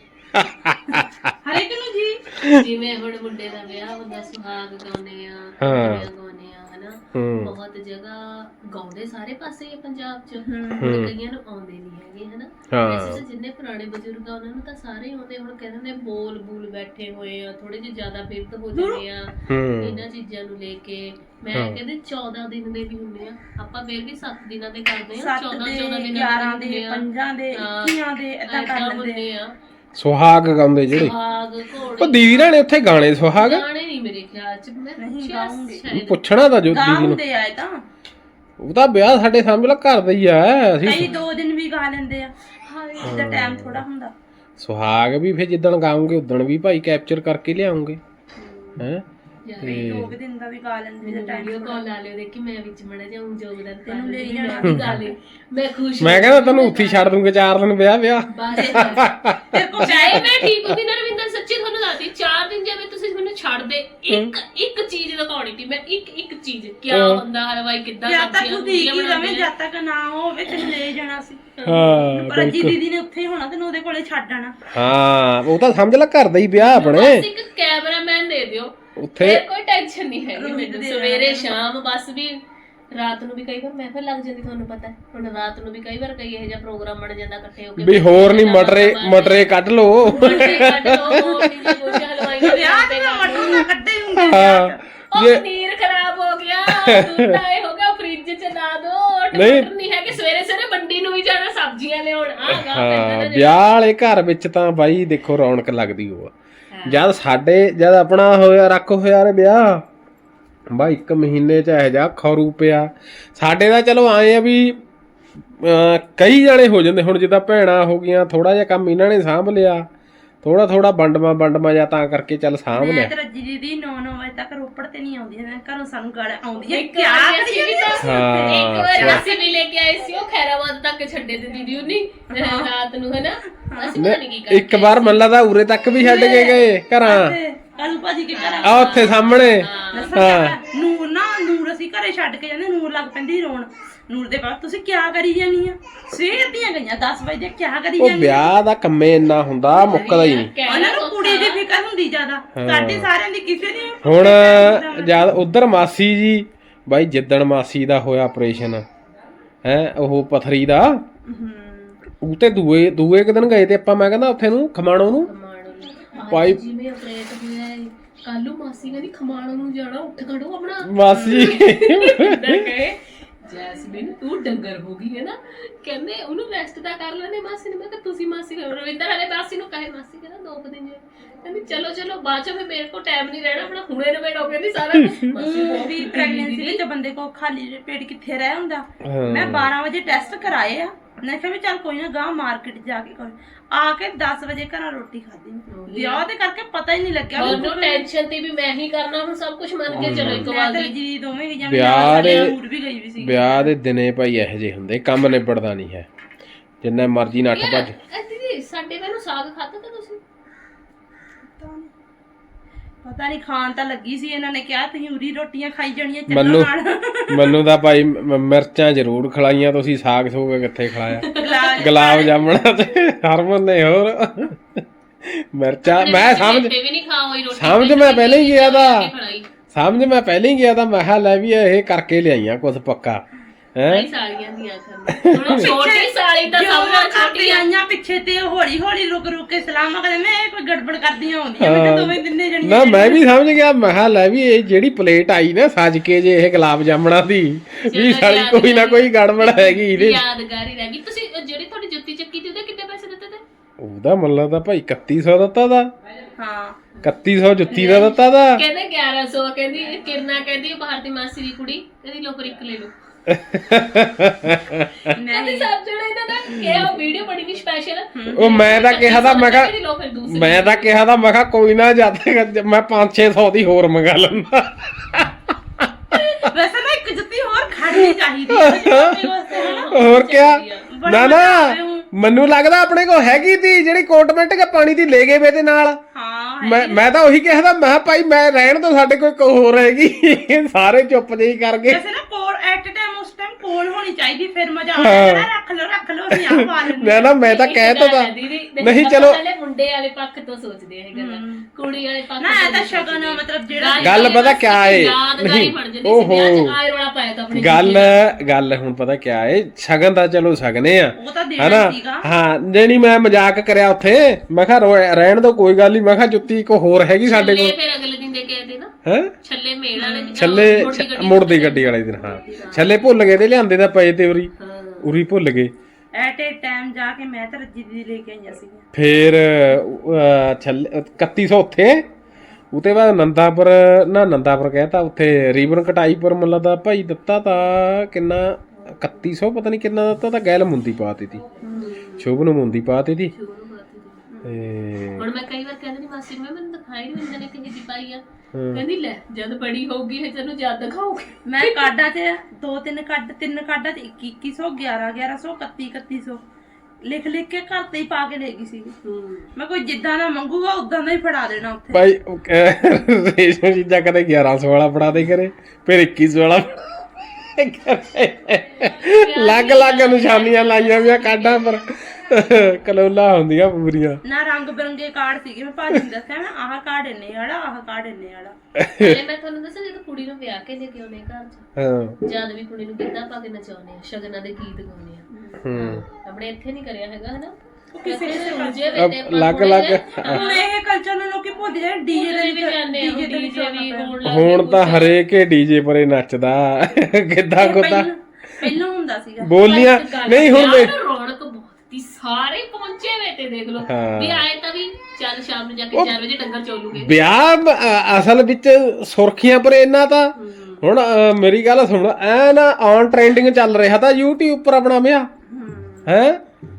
Speaker 3: ਹਰੇਕ ਨੂੰ ਜੀ
Speaker 2: ਜਿਵੇਂ ਹੁਣ ਮੁੰਡੇ ਦਾ ਵਿਆਹ ਹੁੰਦਾ ਸੁਹਾਗ ਗਾਉਂਦੇ ਆ
Speaker 1: ਹਾਂ।
Speaker 2: ਗਾਉਂਦੇ ਆ ਹਨਾ
Speaker 1: ਹੂੰ
Speaker 2: ਬਹੁਤ ਜਗ੍ਹਾ ਗਾਉਂਦੇ ਸਾਰੇ ਪਾਸੇ ਆ ਪੰਜਾਬ 'ਚ
Speaker 3: ਹੂੰ।
Speaker 2: ਹੁਣ ਕਈਆਂ ਨੂੰ ਆਉਂਦੇ ਨਹੀਂ ਹੈਗੇ ਹਨਾ
Speaker 1: ਹਾਂ।
Speaker 2: ਵੈਸੇ ਤਾਂ ਜਿੰਨੇ ਪੁਰਾਣੇ ਬਜ਼ੁਰਗ ਆ ਉਹਨਾਂ ਨੂੰ ਤਾਂ ਸਾਰੇ ਆਉਂਦੇ ਹੁਣ ਕਹਿੰਦੇ ਨੇ ਬੋਲ ਬੂਲ ਬੈਠੇ ਹੋਏ ਆ ਥੋੜੇ ਜਿਹੇ ਜ਼ਿਆਦਾ ਬਿਰਧ ਹੋ ਜਾਂਦੇ ਆ
Speaker 1: ਹੂੰ
Speaker 2: ਇਹਨਾਂ ਚੀਜ਼ਾਂ ਨੂੰ ਲੈ ਕੇ ਮੈਂ ਕਹਿੰਦੇ ਚੌਦਾਂ ਦਿਨ ਦੇ ਵੀ ਹੁੰਦੇ ਆ ਆਪਾਂ ਫਿਰ ਵੀ ਸੱਤ ਦਿਨਾਂ ਦੇ ਕਰਦੇ ਆ
Speaker 3: ਸੱਤ
Speaker 2: ਚੌਦਾਂ
Speaker 3: ਦੇ
Speaker 2: ਚੌਦਾਂ ਦਿਨਾਂ
Speaker 3: ਗਿਆਰਾਂ
Speaker 2: ਦੇ
Speaker 3: ਦੇ
Speaker 2: ਹੁੰਦੇ ਆ
Speaker 3: ਪੰਜਾਂ ਦੇ
Speaker 2: ਹਾਂ।
Speaker 3: ਇੱਕੀਆਂ ਦੇ ਏਦਾਂ ਕਰ
Speaker 2: ਏਦਾਂ
Speaker 3: ਲੈਂਦੇ
Speaker 2: ਹੁੰਦੇ ਆ
Speaker 1: ਸੁਹਾਗ ਗਾਉਂਦੇ ਜਿਹੜੇ
Speaker 2: ਸੁਹਾਗ
Speaker 1: ਉਹ
Speaker 2: ਘੋੜੇ
Speaker 1: ਦੀਦੀ ਰਾਣੇ ਉੱਥੇ ਗਾਣੇ ਸੁਹਾਗ
Speaker 2: ਗਾਣੇ ਨਹੀਂ ਮੇਰੇ ਖਿਆਲ ਚ ਮੈਂ
Speaker 3: ਨਹੀਂ
Speaker 2: ਪੁੱਛਿਆ
Speaker 3: ਗਾਉਂਗੇ।
Speaker 2: ਸ਼ਾਇਦ
Speaker 1: ਪੁੱਛਣਾ ਤਾਂ ਜੋ
Speaker 3: ਗਾ
Speaker 1: ਦੀਦੀ ਨੂੰ
Speaker 3: ਹੁੰਦੇ ਆ ਇਹ ਤਾਂ
Speaker 1: ਉਹ ਤਾਂ ਵਿਆਹ ਸਾਡੇ ਸਮਝ ਲਾ ਘਰ ਦਾ ਹੀ ਆ ਅਸੀਂ
Speaker 3: ਕਈ ਦੋ ਦਿਨ ਵੀ ਗਾ ਲੈਂਦੇ ਆ ਹਾਂ ਇਹਦਾ ਟਾਈਮ ਥੋੜਾ ਹੁੰਦਾ
Speaker 1: ਸੁਹਾਗ ਵੀ ਫਿਰ ਜਿੱਦਣ ਗਾਉਂਗੇ ਉਦਣ ਵੀ ਭਾਈ ਕੈਪਚਰ ਕਰਕੇ ਲਿਆਉਂਗੇ ਹੈ
Speaker 2: ਯਾਰ
Speaker 3: ਦੋ ਕੁ ਦਿਨ ਦਾ ਵੀ ਗਾ ਲੈਂਦੇ ਆ ਟਾਈਮ
Speaker 2: ਵੀਡੀਓ ਕਾਲ ਲਾ ਲਿਓ ਦੇਖੀ ਮੈਂ ਵਿੱਚ ਮੜਾ ਜਾਉਂ ਯੋਗਦਾਨ
Speaker 3: ਤੈਨੂੰ ਲੈ
Speaker 2: ਜਾਣਾ
Speaker 3: ਜਾਣਾ।
Speaker 2: ਵੀ ਗਾ ਲੈ ਮੈਂ ਖੁਸ਼
Speaker 1: ਮੈਂ ਕਹਿੰਦਾ ਤੈਨੂੰ ਉੱਥੇ ਹੀ ਛੱਡ ਦੂੰਗੇ ਚਾਰ ਦਿਨ ਵਿਆਹ ਵਿਆਹ
Speaker 2: ਬਸ ਤੇਰੇ ਕੋ ਚਾਹੇ ਮੈਂ ਠੀਕ ਹੁੰਦੀ ਨਾ ਰਵਿੰਦਰ ਸੱਚੀ ਤੁਹਾਨੂੰ ਦੱਸਦੀ ਚਾਰ ਦਿਨ ਜਿਵੇਂ ਤੁਸੀਂ ਮੈਨੂੰ ਛੱਡ ਦੇ ਇੱਕ ਇੱਕ ਚੀਜ਼ ਦਿਖਾਉਣੀ ਸੀ ਮੈਂ ਇੱਕ ਇੱਕ ਚੀਜ਼ ਕਿਆ ਹੁੰਦਾ ਹਲਵਾਈ ਕਿੱਦਾਂ
Speaker 3: ਜਦ ਤੱਕ
Speaker 2: ਸਬਜ਼ੀਆਂ
Speaker 3: ਤੂੰ ਠੀਕ ਹੀ
Speaker 2: ਬਣਾਉਂਦੇ
Speaker 3: ਰਵੇਂ
Speaker 2: ਆ।
Speaker 3: ਜਦ ਤੱਕ ਨਾ ਹੋਵੇ ਤੈਨੂੰ ਲੈ ਜਾਣਾ ਸੀ
Speaker 1: ਹਾਂ
Speaker 3: ਪਰ ਅੱਜੀ ਦੀਦੀ ਨੇ ਉੱਥੇ ਹੀ ਹੋਣਾ ਤੈਨੂੰ ਉਹਦੇ ਕੋਲੇ ਛੱਡ ਆਣਾ
Speaker 1: ਹਾਂ ਉਹ ਤਾਂ ਸਮਝ ਲੈ ਘਰ ਦਾ ਹੀ ਵਿਆਹ ਆਪਣੇ
Speaker 2: ਬਸ ਇੱਕ ਕੈਮਰਾਮੈਨ ਦੇ ਦਿਓ
Speaker 1: ਉੱਥੇ
Speaker 2: ਫਿਰ ਕੋਈ ਟੈਨਸ਼ਨ ਨਹੀਂ ਹੈਗੀ ਮੈਨੂੰ ਸਵੇਰੇ ਸ਼ਾਮ ਬਸ ਵੀ ਰਾਤ ਨੂੰ ਵੀ ਕਈ ਵਾਰ ਮਹਿਫਲ ਲੱਗ ਜਾਂਦੀ ਤੁਹਾਨੂੰ ਪਤਾ ਹੈ ਹੁਣ ਰਾਤ ਨੂੰ ਵੀ ਕਈ ਵਾਰ ਕਈ ਇਹੋ ਜਿਹਾ ਪ੍ਰੋਗਰਾਮ ਬਣ ਜਾਂਦਾ ਇਕੱਠੇ ਹੋ ਕੇ
Speaker 1: ਵੀ ਹੋਰ ਨਹੀਂ ਮਟਰੇ ਮਟਰੇ ਕੱਢ ਲੋ
Speaker 2: ਮਟਰੇ ਕੱਢ ਲਓ ਹੋਰ ਨਹੀਂ ਜੇ ਕੁਛ ਹਲਵਾਈ ਦਾ
Speaker 3: ਵਿਆਹ ਤੇ ਮਟਰ ਨਾ ਕੱਢੇ ਹੀ ਹੁੰਦੇ
Speaker 1: ਹਾਂ
Speaker 2: ਉਹ ਪਨੀਰ ਖਰਾਬ ਹੋ ਗਿਆ ਦੁੱਧ ਆਏ ਹੋ ਗਿਆ ਫ੍ਰਿਜ ਚ ਲਾ ਦੋ ਟਮਾਟਰ ਨਹੀਂ ਹੈ ਕਿ ਸਵੇਰੇ ਸਵੇਰੇ ਮੰਡੀ ਨੂੰ ਵੀ ਜਾਣਾ ਸਬਜ਼ੀਆਂ ਲਿਆਉਣ ਆ ਗਾ
Speaker 1: ਹਾਂ ਵਿਆਹ ਵਾਲੇ ਘਰ ਵਿੱਚ ਤਾਂ ਬਾਈ ਦੇਖੋ ਰੌਣਕ ਲੱਗਦੀ ਹੋਆ ਜਦ ਸਾਡੇ ਜਦ ਆਪਣਾ ਹੋਇਆ ਰੱਖ ਹੋਇਆ ਰੇ ਵਿਆਹ ਬਾ ਇੱਕ ਮਹੀਨੇ ਚ ਇਹ ਜਾ ਖਰੂ ਪਿਆ ਸਾਡੇ ਦਾ ਚਲੋ ਆਏ ਆ ਵੀ ਕਈ ਜਣੇ ਹੋ ਜਾਂਦੇ ਹੁਣ ਜਿੱਦਾਂ ਭੈਣਾਂ ਹੋ ਗਈਆਂ ਥੋੜਾ ਜਿਹਾ ਕੰਮ ਇਹਨਾਂ ਨੇ ਸਾਂਭ ਲਿਆ ਥੋੜਾ ਥੋੜਾ ਵੰਡਮਾ ਵੰਡਮਾ ਜਾਂ ਤਾਂ ਕਰਕੇ ਚੱਲ ਸਾਂਭ
Speaker 3: ਮੈਂ
Speaker 1: ਲਿਆ
Speaker 3: ਤੇ ਰੱਜੀ ਦੀਦੀ ਨੌ ਨੌ ਵਜੇ ਤੱਕ ਰੋਪੜ ਤੇ ਨਹੀਂ ਆਉਂਦੀ ਹੈ ਘਰੋਂ ਸਾਨੂੰ ਗਾਲ ਆਉਂਦੀਆਂ
Speaker 2: ਇੱਕ
Speaker 3: ਕਿਆ
Speaker 2: ਵਾਰ
Speaker 3: ਕਰੀਏ
Speaker 2: ਅਸੀਂ ਵੀ ਤਾਂ
Speaker 1: ਹਾਂ,
Speaker 2: ਇੱਕ ਵਾਰ ਅਸੀਂ ਵੀ ਲੈ ਕੇ ਆਏ ਸੀ ਉਹ ਖੈਰਾਬਾਦ ਤੱਕ ਛੱਡੇ ਤੇ ਦੀਦੀ ਉਹਨੀ ਰਾਤ ਨੂੰ ਹੈਨਾ ਅਸੀਂ ਪਤਾ ਨਹੀਂ ਕੀ ਕਰਦੇ
Speaker 1: ਇੱਕ ਵਾਰ ਮੱਲਾ ਦਾ ਉਰੇ ਤੱਕ ਵੀ ਛੱਡ ਕੇ ਗਏ ਘਰਾਂ
Speaker 3: ਕੱਲ ਭਾਜੀ ਕੇ ਘਰ
Speaker 1: ਆ ਉੱਥੇ ਸਾਹਮਣੇ
Speaker 3: ਹਾਂ ਨੂਰ ਨਾ ਨੂਰ ਅਸੀਂ ਘਰੇ ਛੱਡ ਕੇ ਜਾਂਦੇ ਨੂਰ ਲੱਗ ਪੈਂਦੀ ਰੋਣ ਨੂਰ ਦੇ ਬਾਅਦ ਤੁਸੀਂ ਕਿਆ ਕਰੀ ਜਾਨੀ ਆ ਸਵੇਰ ਦੀਆਂ ਗਈਆਂ ਦਸ ਵਜੇ ਕਿਆ ਕਰੀ
Speaker 1: ਉਹ
Speaker 3: ਜਾਨੀ
Speaker 1: ਵਿਆਹ ਦਾ ਕੰਮੇ ਇੰਨਾ ਹੁੰਦਾ ਮੁੱਕਦਾ ਹੀ ਨਹੀਂ
Speaker 3: ਉਹਨਾਂ ਨੂੰ ਕੁੜੀ ਦੀ ਫਿਕਰ ਹੁੰਦੀ ਜ਼ਿਆਦਾ ਸਾਡੇ ਸਾਰਿਆਂ ਦੀ ਕਿਸੇ ਦੀ
Speaker 1: ਹੁਣ ਜਦ ਉਧਰ ਮਾਸੀ ਜੀ ਬਾਈ ਜਿੱਦਣ ਮਾਸੀ ਦਾ ਹੋਇਆ ਆਪਰੇਸ਼ਨ ਹੈ ਉਹ ਪਥਰੀ ਦਾ ਉਹ ਤੇ ਦੂਏ ਦੂਏ ਇੱਕ ਦਿਨ ਗਏ ਤੇ ਆਪਾਂ ਮੈਂ ਕਹਿੰਦਾ ਉੱਥੇ ਨੂੰ ਖਮਾਣੋ ਨੂੰ
Speaker 2: ਭਾਈ ਜਿਵੇਂ ਆਪਰੇਟ ਹੋਇਆ ਹੈ ਕੱਲੂ ਮਾਸੀ ਕਹਿੰਦੀ ਖਮਾਣੋ ਨੂੰ ਜਾਣਾ ਉੱਠ ਖੜੋ ਆਪਣਾ
Speaker 1: ਮਾਸੀ
Speaker 2: ਇੱਧਰ ਕਹੇ ਜੈਸਮੀਨ ਤੂੰ ਡੰਗਰ ਹੋ ਗਈ ਹੈ ਨਾ ਕਹਿੰਦੇ ਉਹਨੂੰ ਰੈਸਟ ਤਾਂ ਕਰ ਲੈਣੇ ਮਾਸੀ ਨੇ ਮੈਂ ਕਿਹਾ ਤੁਸੀਂ ਮਾਸੀ ਰਵਿੰਦਰ ਵਾਲੇ ਮਾਸੀ ਨੂੰ ਕਹੇ ਮਾਸੀ ਕਹਿੰਦਾ ਦੋ ਕੁ ਦਿਨ ਜੇ ਕਹਿੰਦੀ ਚਲੋ ਚਲੋ ਬਾਅਦ ਚ ਵੀ ਮੇਰੇ ਕੋਲ ਟਾਈਮ ਨਹੀਂ ਰਹਿਣਾ ਆਪਣਾ ਹੁਣੇ ਨਵੇੜੋ ਕਹਿੰਦੀ ਸਾਰਾ
Speaker 3: ਉਹ ਵੀ ਪ੍ਰੈਗਨੈਂਸੀ ਵਿੱਚ ਬੰਦੇ ਕੋ ਖਾਲੀ ਪੇਟ ਕਿੱਥੇ ਰਹਿ ਹੁੰਦਾ ਮੈਂ ਬਾਰਾਂ ਵਜੇ ਟੈਸਟ ਕਰਾਏ ਆ ਮੈਂ ਕਿਹਾ ਵੀ ਚੱਲ ਕੋਈ ਨਾ ਗਾਂ ਮਾਰਕੀਟ ਜਾ ਕੇ ਕੋਈ ਆ ਕੇ ਦਸ ਵਜੇ ਘਰਾਂ ਰੋਟੀ ਖਾਧੀ ਵਿਆਹ ਦੇ ਕਰਕੇ ਪਤਾ ਹੀ ਨਹੀਂ ਲੱਗਿਆ
Speaker 2: ਉਹਨੂੰ ਟੈਨਸ਼ਨ ਤੇ ਵੀ ਮੈਂ ਹੀ ਕਰਨਾ ਹੁਣ ਸਭ ਕੁਝ ਮੰਨ ਕੇ ਚਲੋ ਇੱਕ ਵਾਰ ਦੀ
Speaker 3: ਜੀ ਦੋਵੇਂ ਗਈਆਂ
Speaker 1: ਵਿਆਹ ਦੇ
Speaker 3: ਨੂਰ ਵੀ ਗਈ ਵੀ ਸੀ
Speaker 1: ਵਿਆਹ ਦੇ ਦਿਨੇ ਭਾਈ ਇਹੋ ਜਿਹੇ ਹੁੰਦੇ ਕੰਮ ਨਿਬੜਦਾ ਨਹੀਂ ਹੈ ਜਿੰਨਾ ਮਰਜ਼ੀ ਨੱਠ ਭੱਜ
Speaker 2: ਦੀਦੀ ਸਾਡੇ ਮੈਨੂੰ ਸਾਗ ਖਾਧਾ ਤਾਂ ਤੁਸੀਂ
Speaker 3: ਪਤਾ ਨਹੀਂ ਖਾਣ ਤਾਂ ਲੱਗੀ ਸੀ ਇਹਨਾਂ ਨੇ ਕਿਹਾ ਤੁਸੀਂ ਉਰੀ ਰੋਟੀਆਂ ਖਾਈ ਜਾਣੀਆਂ
Speaker 1: ਮੈਨੂੰ
Speaker 3: ਚੱਲੋ ਨਾਲ
Speaker 1: ਮੈਨੂੰ ਤਾਂ ਭਾਈ ਮ- ਮਿਰਚਾਂ ਜ਼ਰੂਰ ਖਲਾਈਆਂ ਤੁਸੀਂ ਸਾਗ ਸੂਗ ਕਿੱਥੇ ਖਲਾਇਆ
Speaker 3: ਗੁਲਾਬ
Speaker 1: ਗੁਲਾਬ ਜਾਮਣਾ ਤੇ ਹਰਮਨ ਨੇ ਹੋਰ ਮਿਰਚਾਂ ਮੈਂ ਸਮਝ
Speaker 2: ਤੇ ਵੀ ਨਹੀਂ ਖਾ ਹੋਈ ਰੋਟੀ
Speaker 1: ਸਮਝ ਮੈਂ ਪਹਿਲਾਂ ਹੀ ਗਿਆ ਤਾਂ
Speaker 2: ਖੜਾਈ
Speaker 1: ਸਮਝ ਮੈਂ ਪਹਿਲਾਂ ਹੀ ਗਿਆ ਤਾਂ ਮੈਂ ਕਿਹਾ ਲੈ ਵੀ ਇਹ ਕਰਕੇ ਲਿਆਈਆਂ ਕੁਛ ਪੱਕਾ ਹੈ
Speaker 2: ਭਾਈ ਸਾਲੀਆਂ ਦੀਆਂ ਖਾਣਾ ਹੁਣ ਛੋਟੀ ਸਾਲੀ ਤਾਂ ਸਭ ਨਾਲ ਛੋਟੀ ਆ
Speaker 3: ਆਈਆਂ ਪਿੱਛੇ ਤੇ ਹੌਲੀ ਹੌਲੀ ਰੁਕ ਰੁਕ ਕੇ ਸਲਾਮਾਂ ਕਰਦੇ ਮੈਂ ਇਹ ਕੋਈ ਗੜਬੜ ਕਰਦੀਆਂ ਹੁੰਦੀਆਂ ਮੈਂ ਦੋਵੇਂ ਦਿਨੇ ਜਣੀਆਂ
Speaker 1: ਨਾ ਮੈਂ ਵੀ ਸਮਝ ਗਿਆ ਮੈਂ ਕਿਹਾ ਲੈ ਵੀ ਇਹ ਜਿਹੜੀ ਪਲੇਟ ਆਈ ਨਾ ਸੱਜ ਕੇ ਜੇ ਇਹ ਗੁਲਾਬ ਜਾਮਣਾ ਦੀ ਵੀ ਸਾਲੀ ਕੋਈ ਨਾ ਕੋਈ ਗੜਬੜ ਹੈਗੀ ਇਹਦੇ
Speaker 2: ਯਾਦਗਾਰੀ ਰਹਿ ਗਈ ਤੁਸੀਂ ਉਹ ਜਿਹੜੀ ਤੁਹਾਡੀ ਜੁੱਤੀ ਚੱਕੀ ਤੇ ਉਹਦੇ ਕਿੰਨੇ ਪੈਸੇ ਦਿੱਤੇ ਤੇ
Speaker 1: ਉਹਦਾ ਮੁੱਲ ਤਾਂ ਭਾਈ ਇਕੱਤੀ ਸੌ ਦਿੱਤਾ ਦਾ
Speaker 3: ਹਾਂ
Speaker 1: ਇਕੱਤੀ ਸੌ ਜੁੱਤੀ ਦਾ ਦਿੱਤਾ ਦਾ
Speaker 2: ਕਹਿੰਦੇ ਗਿਆਰਾਂ ਸੌ ਕਹਿੰਦੀ ਕਿਰਨਾ ਕਹਿੰਦੀ ਬਾਹਰ ਦੀ ਮਾਸੀ ਦੀ ਕੁੜੀ ਕਹਿੰਦੀ ਲੋ ਪਰ ਇੱਕ ਲੈ ਲਓ ਕਹਿੰਦੀ ਸਭ ਜਣੇ ਇਹਦਾ ਨਾ ਕਿ ਉਹ ਵੀਡੀਓ ਬਣੀ ਨਹੀਂ ਸਪੈਸ਼ਲ
Speaker 1: ਉਹ ਮੈਂ ਤਾਂ ਕਿਹਾ ਤਾਂ ਮੈਂ ਕਿਹਾ ਮੈਂ ਤਾਂ ਕਿਹਾ ਤਾਂ ਮੈਂ ਕਿਹਾ ਕੋਈ ਨਾ ਜਦ ਮੈਂ ਪੰਜ ਛੇ ਸੌ ਦੀ ਹੋਰ ਮੰਗਾ ਲੈਂਦਾ
Speaker 3: ਵੈਸੇ ਨਾ ਇੱਕ ਜੁੱਤੀ ਹੋਰ ਖੜਨੀ ਚਾਹੀਦੀ ਹੈ ਜੁੱਤੀ ਵਾਸਤੇ ਹਨਾ
Speaker 1: ਹੋਰ ਕਿਆ ਨਾ ਨਾ ਮੈਨੂੰ ਲੱਗਦਾ ਆਪਣੇ ਕੋਲ ਹੈਗੀ ਤੀ ਜਿਹੜੀ ਕੋਟਮੈਂਟ ਕੇ ਪਾਣੀ ਦੀ ਲੈ ਗਏ ਵੇ ਤੇ ਨਾਲ
Speaker 3: ਹਾਂ
Speaker 1: ਮੈਂ ਮੈਂ ਤਾਂ ਉਹੀ ਕਿਹਾ ਮੈਂ ਕਿਹਾ ਭਾਈ ਮੈਂ ਰਹਿਣ ਤੋਂ ਸਾਡੇ ਕੋਈ ਕੋ ਹੋਰ ਹੈਗੀ ਸਾਰੇ ਚੁੱਪ ਜਿਹੀ ਕਰ ਗਏ
Speaker 3: ਵੈਸੇ ਨਾ ਕੋਲ ਐਟ ਟਾਈਮ ਉਸ ਟਾਈਮ ਕੋਲ ਹੋਣੀ ਚਾਹੀਦੀ ਫਿਰ ਮਜ਼ਾ ਆਉਂਦਾ ਰੱਖ ਲਓ ਰੱਖ ਲਓ ਅਸੀਂ ਆ ਪਾ ਲੈਂਦੇ
Speaker 1: ਨਾ ਨਾ ਮੈਂ ਤਾਂ ਕਹਿ ਤਾ ਤਾਂ ਨਹੀਂ ਚਲੋ
Speaker 2: ਪਹਿਲੇ ਮੁੰਡੇ ਵਾਲੇ ਪੱਖ ਤੋਂ ਸੋਚਦੇ ਆ ਇਹ ਗੱਲਾਂ ਕੁੜੀ ਵਾਲੇ ਪੱਖ
Speaker 3: ਨਾ ਇਹ ਤਾਂ ਸ਼ਗਨ ਮਤਲਬ ਜਿਹੜਾ
Speaker 1: ਗੱਲ ਪਤਾ ਕਿਆ ਏ
Speaker 2: ਯਾਦਗਾਰੀ ਬਣ ਜਾਂਦੀ ਸੀ
Speaker 1: ਓਹੋ
Speaker 2: ਵਿਆਹ ਚ ਆਏ ਰੋਲਾ ਪਾਇਆ ਤਾਂ ਆਪਣੇ
Speaker 1: ਗੱਲ ਗੱਲ ਹੁਣ ਪਤਾ ਕਿਆ ਏ ਸ਼ਗਨ ਤਾਂ ਚਲੋ ਸ਼ਗਨੇ ਆ
Speaker 3: ਉਹ ਤਾਂ ਦੇਣਾ
Speaker 1: ਹਨਾ
Speaker 3: ਸੀਗਾ
Speaker 1: ਹਾਂ ਨਹੀਂ ਮੈਂ ਮਜ਼ਾਕ ਕਰਿਆ ਉੱਥੇ ਮੈਂ ਕਿਹਾ ਰਹਿਣ ਦੋ ਕੋਈ ਗੱਲ ਨਹੀਂ ਮੈਂ ਕਿਹਾ ਜੁੱਤੀ ਕੋ ਹੋਰ ਹੈਗੀ ਸਾਡੇ ਕੋਲ
Speaker 2: ਫਿਰ ਅਗਲੇ ਦਿਨ ਦੇ ਕੇ ਆਏ ਤੇ ਨਾ
Speaker 1: ਹੈ
Speaker 2: ਛੱਲੇ ਮੇਲ ਵਾਲੇ
Speaker 1: ਛੱਲੇ ਮੁੜਦੀ ਗੱਡੀ ਵਾਲੇ ਦਿਨ ਹਾਂ ਛੱਲੇ ਭੁੱਲ ਗਏ ਤੇ ਲਿਆਂਦੇ ਤਾਂ ਪਏ ਤੇ ਉਰੀ ਉਰੀ ਭੁੱਲ ਗਏ
Speaker 3: ਐਟ ਏ ਟਾਈਮ ਜਾ ਕੇ ਮੈਂ ਤਾਂ ਰੱਜੀ ਦੀ ਲੈ ਕੇ ਆਈਆਂ ਸੀ
Speaker 1: ਫੇਰ ਛੱਲੇ ਇਕੱਤੀ ਸੌ ਉੱਥੇ ਉਤੇ ਬਾਅਦ ਨੰਦਾਪੁਰ ਨਾ ਨੰਦਾਪੁਰ ਕਹਿਤਾ ਉੱਥੇ ਰੀਬਨ ਕਟਾਈ ਪਰ ਮੈਨੂੰ ਲੱਗਦਾ ਭਾਈ ਦਿੱਤਾ ਤਾਂ ਕਿੰਨਾ ਇਕੱਤੀ ਸੌ ਪਤਾ ਨਹੀਂ ਕਿੰਨਾ ਦਿੱਤਾ ਤਾਂ ਗੈਲ ਮੁੰਦੀ ਪਾਤੀ ਤੀ ਸ਼ੁਭ ਨੂੰ ਮੁੰਦੀ ਪਾਤੀ ਤੀ ਤੇ
Speaker 2: ਹੁਣ ਮੈਂ ਕਈ ਵਾਰ ਕਹਿੰਦੀ ਨਹੀਂ ਮਾਸੀ ਨੂੰ ਮੈਨੂੰ ਦਿਖਾਈ ਨਹੀਂ ਦਿੰਦੇ ਨੇ ਕਿਹਦੀ ਪਾਈ ਆ ਕਹਿੰਦੀ ਲੈ ਜਦ ਬੜੀ ਹੋਊਗੀ ਇਹ ਤੈਨੂੰ ਜਦ ਦਿਖਾਉਗੀ
Speaker 3: ਮੈਂ ਕਾਰਡਾਂ 'ਚ ਦੋ ਤਿੰਨ ਕਾਰਡ ਤਿੰਨ ਕਾਰਡਾਂ 'ਚ ਇੱਕੀ ਇੱਕੀ ਸੌ ਗਿਆਰਾਂ ਗਿਆਰਾਂ ਸੌ ਇਕੱਤੀ ਇਕੱਤੀ ਸੌ ਲਿਖ ਲਿਖ ਕੇ ਘਰ ਤੇ ਹੀ ਪਾ ਕੇ ਲੈ ਗਈ ਸੀ ਮੈਂ ਕੋਈ ਜਿੱਦਾਂ ਦਾ ਮੰਗੂਗਾ ਉਦਾਂ ਦਾ ਹੀ ਫੜਾ ਦੇਣਾ ਉੱਥੇ
Speaker 1: ਭਾਈ ਰੇਸ਼ਮ ਚੀਜ਼ਾਂ ਕਦੇ ਗਿਆਰਾਂ ਸੌ ਵਾਲਾ ਫੜਾ ਦੇ ਕਰੇ ਫਿਰ ਇੱਕੀ ਸੌ ਵਾਲਾ ਲੱਗ ਲੱਗ ਨਿਸ਼ਾਨੀਆਂ ਲਾਈਆਂ ਵੀਆਂ ਕਾਢਾਂ ਪਰ ਕਲੋਲਾ ਹੁੰਦੀਆਂ ਪੂਰੀਆਂ
Speaker 3: ਨਾ ਰੰਗ ਬਿਰੰਗੇ ਕਾਰਡ ਸੀਗੇ ਮੈਂ ਭਾਜੀ ਨੂੰ ਦੱਸਿਆ ਮੈਂ ਆਹ ਕਾਰਡ ਇੰਨੇ ਵਾਲਾ ਆਹ ਕਾਰਡ ਇੰਨੇ ਵਾਲਾ
Speaker 2: ਪਹਿਲੇ ਮੈਂ ਤੁਹਾਨੂੰ ਦੱਸਿਆ ਜਦੋਂ ਕੁੜੀ ਨੂੰ ਵਿਆਹ ਕੇ ਲੈ ਕੇ ਆਉਣੇ ਘਰ 'ਚ
Speaker 1: ਹਾਂ
Speaker 2: ਜਦ ਵੀ ਕੁੜੀ ਨੂੰ ਗਿੱਧਾ ਪਾ ਕੇ ਨਚਾਉਣੇ ਆ ਸ਼ਗਨਾਂ ਦੇ ਗੀਤ ਗਾਉਣੇ ਆ
Speaker 1: ਹੂੰ
Speaker 2: ਆਪਣੇ ਇੱਥੇ ਨਹੀਂ ਕਰਿਆ ਹੈਗਾ ਹਨਾ
Speaker 3: ਕਿਸੇ
Speaker 2: ਕਿਸੇ
Speaker 3: ਕਿਸੇ
Speaker 2: ਦੂਜੇ ਵੇ ਤੇ
Speaker 1: ਲੱਗ ਲੱਗ
Speaker 3: ਹੁਣ ਇਹ ਕਲਚਰ ਨੂੰ ਲੋਕੀ ਭੁੱਲ ਜਾਂਦੇ ਡੀਜੇ ਦੇ
Speaker 2: ਵੀ ਜਾਂਦੇ ਆ ਡੀਜੇ ਵੀ ਹੋਣ ਲੱਗ
Speaker 1: ਹੁਣ ਤਾਂ ਹਰੇਕ ਡੀਜੇ ਪਰੇ ਨੱਚਦਾ ਕਿੱਦਾਂ ਕੋਦਾ
Speaker 3: ਪਹਿਲਾਂ ਹੁੰਦਾ ਸੀਗਾ
Speaker 1: ਬੋਲੀਆਂ ਨਹੀਂ ਹੁਣ ਵੇ
Speaker 2: ਰੌਣਕ ਬਹੁਤ ਸੀ ਸਾਰੇ ਪਹੁੰਚੇ ਵੇ ਤੇ ਦੇਖ ਲਓ
Speaker 1: ਹਾਂ।
Speaker 2: ਵੀ ਆਏ ਤਾਂ ਵੀ ਚੱਲ ਸ਼ਾਮ ਨੂੰ ਜਾ ਕੇ ਚਾਰ ਵਜੇ ਡੰਗਰ ਚੋਲੂਗੇ
Speaker 1: ਵਿਆਹ ਅ- ਅਸਲ ਵਿੱਚ ਸੁਰਖੀਆਂ ਪਰ ਇੰਨਾ ਤਾਂ ਹੁਣ ਅ, ਮੇਰੀ ਗੱਲ ਸੁਣ ਐ ਨਾ ਔਨ ਟ੍ਰੈਂਡਿੰਗ ਚੱਲ ਰਿਹਾ ਤਾਂ YouTube ਉੱਪਰ ਆਪਣਾ ਵਿਆਹ ਹੈ